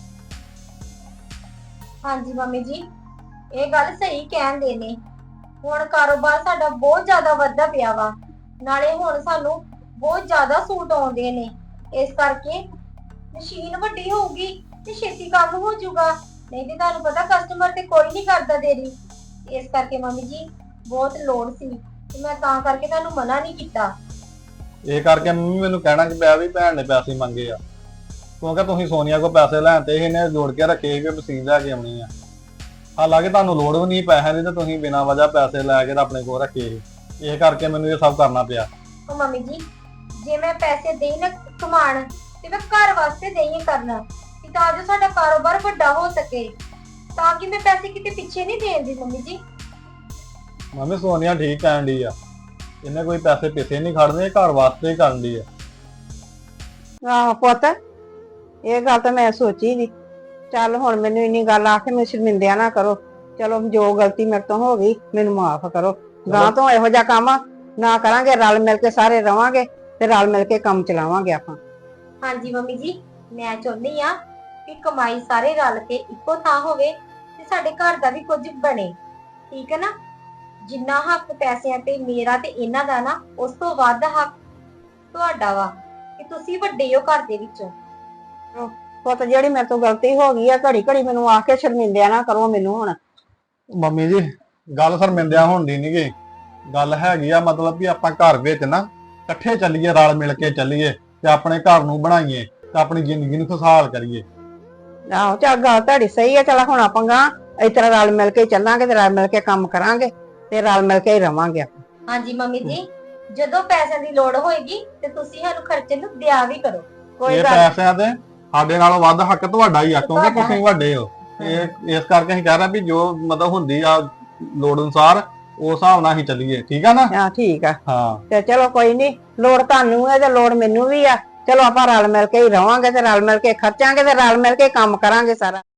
A: ਹਾਂਜੀ ਮੰਮੀ ਜੀ, ਇਹ ਗੱਲ ਸਹੀ ਕਹਿੰਦੇ ਨੇ। ਹੁਣ ਕਾਰੋਬਾਰ ਸਾਡਾ ਬਹੁਤ ਜ਼ਿਆਦਾ ਵੱਧਦਾ ਪਿਆ ਵਾ, ਨਾਲੇ ਹੁਣ ਸਾਨੂੰ ਬਹੁਤ ਜ਼ਿਆਦਾ ਸੂਟ ਆਉਂਦੇ ਨੇ। ਇਸ ਕਰਕੇ ਮਸ਼ੀਨ ਵੱਡੀ ਹੋਊਗੀ ਤੇ ਛੇਤੀ ਕੰਮ ਹੋ ਜਾਊਗਾ, ਨਹੀਂ ਤੇ ਤੁਹਾਨੂੰ ਪਤਾ ਕਸਟਮਰ ਤੇ ਕੋਈ ਨਹੀਂ ਕਰਦਾ ਦੇਰੀ। ਇਸ ਕਰਕੇ ਮੰਮੀ ਜੀ ਬਹੁਤ ਲੋੜ ਸੀ, ਤੇ ਮੈਂ ਤਾਂ ਕਰਕੇ ਤੁਹਾਨੂੰ ਮਨਾ ਨਹੀਂ ਕੀਤਾ।
C: ਇਹ ਕਰਕੇ ਮੰਮੀ ਮੈਨੂੰ ਕਹਿਣਾ ਕਿ ਪਿਆ ਵੀ ਭੈਣ ਨੇ ਪੈਸੇ ਮੰਗੇ ਆ, ਕਿਉਂਕਿ ਤੁਸੀਂ ਸੋਨੀਆ ਕੋਲ ਪੈਸੇ ਲੈਣ ਤੇ ਇਹਨੇ ਜੋੜ ਕੇ ਰੱਖੇ ਸੀ ਵੀ ਮਸ਼ੀਨ ਲੈ ਕੇ ਆਉਣੀ ਆ। ਹਾਲਾਂਕਿ ਤੁਹਾਨੂੰ ਲੋੜ ਵੀ ਨਹੀਂ ਪੈਸਿਆਂ ਦੀ, ਤੇ ਤੁਸੀਂ ਬਿਨਾਂ ਵਜ੍ਹਾ ਪੈਸੇ ਲੈ ਕੇ ਤਾਂ ਆਪਣੇ ਕੋਲ ਰੱਖੇ ਸੀ। ਇਹ ਕਰਕੇ ਮੈਨੂੰ ਇਹ ਸਭ ਕਰਨਾ ਪਿਆ।
A: ਉਹ ਮੰਮੀ ਜੀ, ਜੇ ਮੈਂ ਪੈਸੇ ਦੇਈ ਨਾ ਕਮਾਣ, ਤੇ ਮੈਂ ਘਰ ਵਾਸਤੇ ਦੇਈ ਕਰਨਾ, ਕਿ ਤਾਂ ਜੋ ਸਾਡਾ ਕਾਰੋਬਾਰ ਵੱਡਾ ਹੋ ਸਕੇ, ਤਾਂ ਕਿ ਮੈਂ ਪੈਸੇ ਕਿਤੇ ਪਿੱਛੇ ਨਹੀਂ ਦੇਂਦੀ ਮੰਮੀ ਜੀ।
C: ਮੰਮੀ ਸੋਨੀਆ ਠੀਕ ਕਹਿਣ ਡਈ ਆ, ਇਹਨੇ ਕੋਈ ਪੈਸੇ ਪਿੱਛੇ ਨਹੀਂ ਖੜਨੇ, ਇਹ ਘਰ ਵਾਸਤੇ ਹੀ ਕਰਨ ਡਈ ਆ।
B: ਆਹੋ ਪੁੱਤ, ਇਹ ਗੱਲ ਤਾਂ ਮੈਂ ਸੋਚੀ ਨਹੀਂ। ਚੱਲ ਹੁਣ ਮੈਨੂੰ ਇੰਨੀ ਗੱਲ ਆ ਕੇ ਮੈਨੂੰ ਸ਼ਰਮਿੰਦਿਆ ਨਾ ਕਰੋ। ਚਲੋ ਜੋ ਗਲਤੀ ਮੇਰੇ ਤੋਂ ਹੋ ਗਈ ਮੈਨੂੰ ਮਾਫ ਕਰੋ। ਗਾਂ ਤੋਂ ਇਹੋ ਜਿਹਾ ਕੰਮ ਨਾ ਕਰਾਂਗੇ, ਰਲ ਮਿਲ ਕੇ ਸਾਰੇ ਰਵਾਂਗੇ ਤੇ ਰਲ ਮਿਲ ਕੇ ਕੰਮ ਚਲਾਵਾਂਗੇ ਆਪਾਂ।
A: ਹਾਂਜੀ ਮੰਮੀ ਜੀ, ਮੈਂ ਚਾਹੁੰਦੀ ਆ ਕਿ ਕਮਾਈ ਸਾਰੇ ਰਲ ਕੇ ਇੱਕੋ ਥਾਂ ਹੋਵੇ, ਤੇ ਸਾਡੇ ਘਰ ਦਾ ਵੀ ਕੁਝ ਬਣੇ, ਠੀਕ ਹੈ ਨਾ? ਜਿੰਨਾ ਹੱਕ ਪੈਸਿਆਂ ਤੇ ਮੇਰਾ ਤੇ ਇਹਨਾਂ ਦਾ ਨਾ, ਉਸ ਤੋਂ ਵੱਧ ਹੱਕ ਤੁਹਾਡਾ ਵਾ, ਕਿ ਤੁਸੀਂ ਵੱਡੇ ਹੋ ਘਰ ਦੇ ਵਿੱਚੋਂ।
B: ਪੁੱਤ ਜਿਹੜੀ ਮੇਰੇ ਤੋਂ ਗਲਤੀ ਹੋ ਗਈ ਆ, ਘੜੀ ਘੜੀ ਮੈਨੂੰ ਆ ਕੇ ਸ਼ਰਮਿੰਦਿਆ ਨਾ ਕਰੋ ਮੈਨੂੰ ਹੁਣ।
C: ਮੰਮੀ ਜੀ ਗੱਲ ਸ਼ਰਮਿੰਦਿਆ ਹੋਣ ਦੀ ਨੀ ਗੀ, ਗੱਲ ਹੈਗੀ ਆ ਮਤਲਬ ਵੀ ਆਪਾਂ ਘਰ ਵਿੱਚ ਨਾ ਇਕੱਠੇ ਚੱਲੀਏ, ਰਲ ਮਿਲ ਕੇ ਚੱਲੀਏ, ਤੇ ਆਪਣੇ ਘਰ ਨੂੰ ਬਣਾਈਏ, ਤੇ ਆਪਣੀ ਜ਼ਿੰਦਗੀ ਨੂੰ ਖੁਸ਼ਹਾਲ ਕਰੀਏ।
B: ਆਹੋ ਚੱਲ ਗੱਲ ਤੁਹਾਡੀ ਸਹੀ ਆ। ਚਲ ਹੁਣ ਆਪਾਂ ਗਾਂ ਇਸ ਤਰ੍ਹਾਂ ਰਲ ਮਿਲ ਕੇ ਚੱਲਾਂਗੇ ਤੇ ਰਲ ਮਿਲ ਕੇ ਕੰਮ ਕਰਾਂਗੇ ਤੇ ਰਲ ਮਿਲ ਕੇ ਹੀ ਰਵਾਂਗੇ ਆਪਾਂ।
A: ਹਾਂਜੀ ਮੰਮੀ ਜੀ, ਜਦੋਂ ਪੈਸਿਆਂ ਦੀ ਲੋੜ ਹੋਏਗੀ ਤੇ ਤੁਸੀਂ ਸਾਨੂੰ ਖਰਚੇ ਨੂੰ ਦਿਆ ਵੀ ਕਰੋ।
B: ਕੋਈ
C: ਇਹ
B: ਗੱਲ
C: ਪੈਸਿਆਂ ਤੇ ਸਾਡੇ ਨਾਲੋਂ ਵੱਧ ਹੱਕ ਤੁਹਾਡਾ ਹੀ ਆ, ਕਿਉਂਕਿ
A: ਤੁਹਾਡਾ
C: ਤੁਸੀਂ ਵੱਡੇ ਹੋ। ਇਹ ਇਸ ਕਰਕੇ ਅਸੀਂ ਕਹਿ ਰਹੇ ਵੀ ਜੋ ਮਤਲਬ ਹੁੰਦੀ ਆ ਲੋੜ ਅਨੁਸਾਰ, ਉਸ ਹਿਸਾਬ ਨਾਲ ਹੀ ਚੱਲੀਏ, ਠੀਕ ਆ ਨਾ?
B: ਹਾਂ ਠੀਕ ਆ।
C: ਹਾਂ
B: ਤੇ ਚਲੋ ਕੋਈ ਨਹੀਂ, ਲੋੜ ਤੁਹਾਨੂੰ ਹੈ ਤੇ ਲੋੜ ਮੈਨੂੰ ਵੀ ਆ। ਚਲੋ ਆਪਾਂ ਰਲ ਮਿਲ ਕੇ ਹੀ ਰਵਾਂਗੇ ਤੇ ਰਲ ਮਿਲ ਕੇ ਖਰਚਾਂਗੇ ਤੇ ਰਲ ਮਿਲ ਕੇ ਕੰਮ ਕਰਾਂਗੇ ਸਾਰਾ।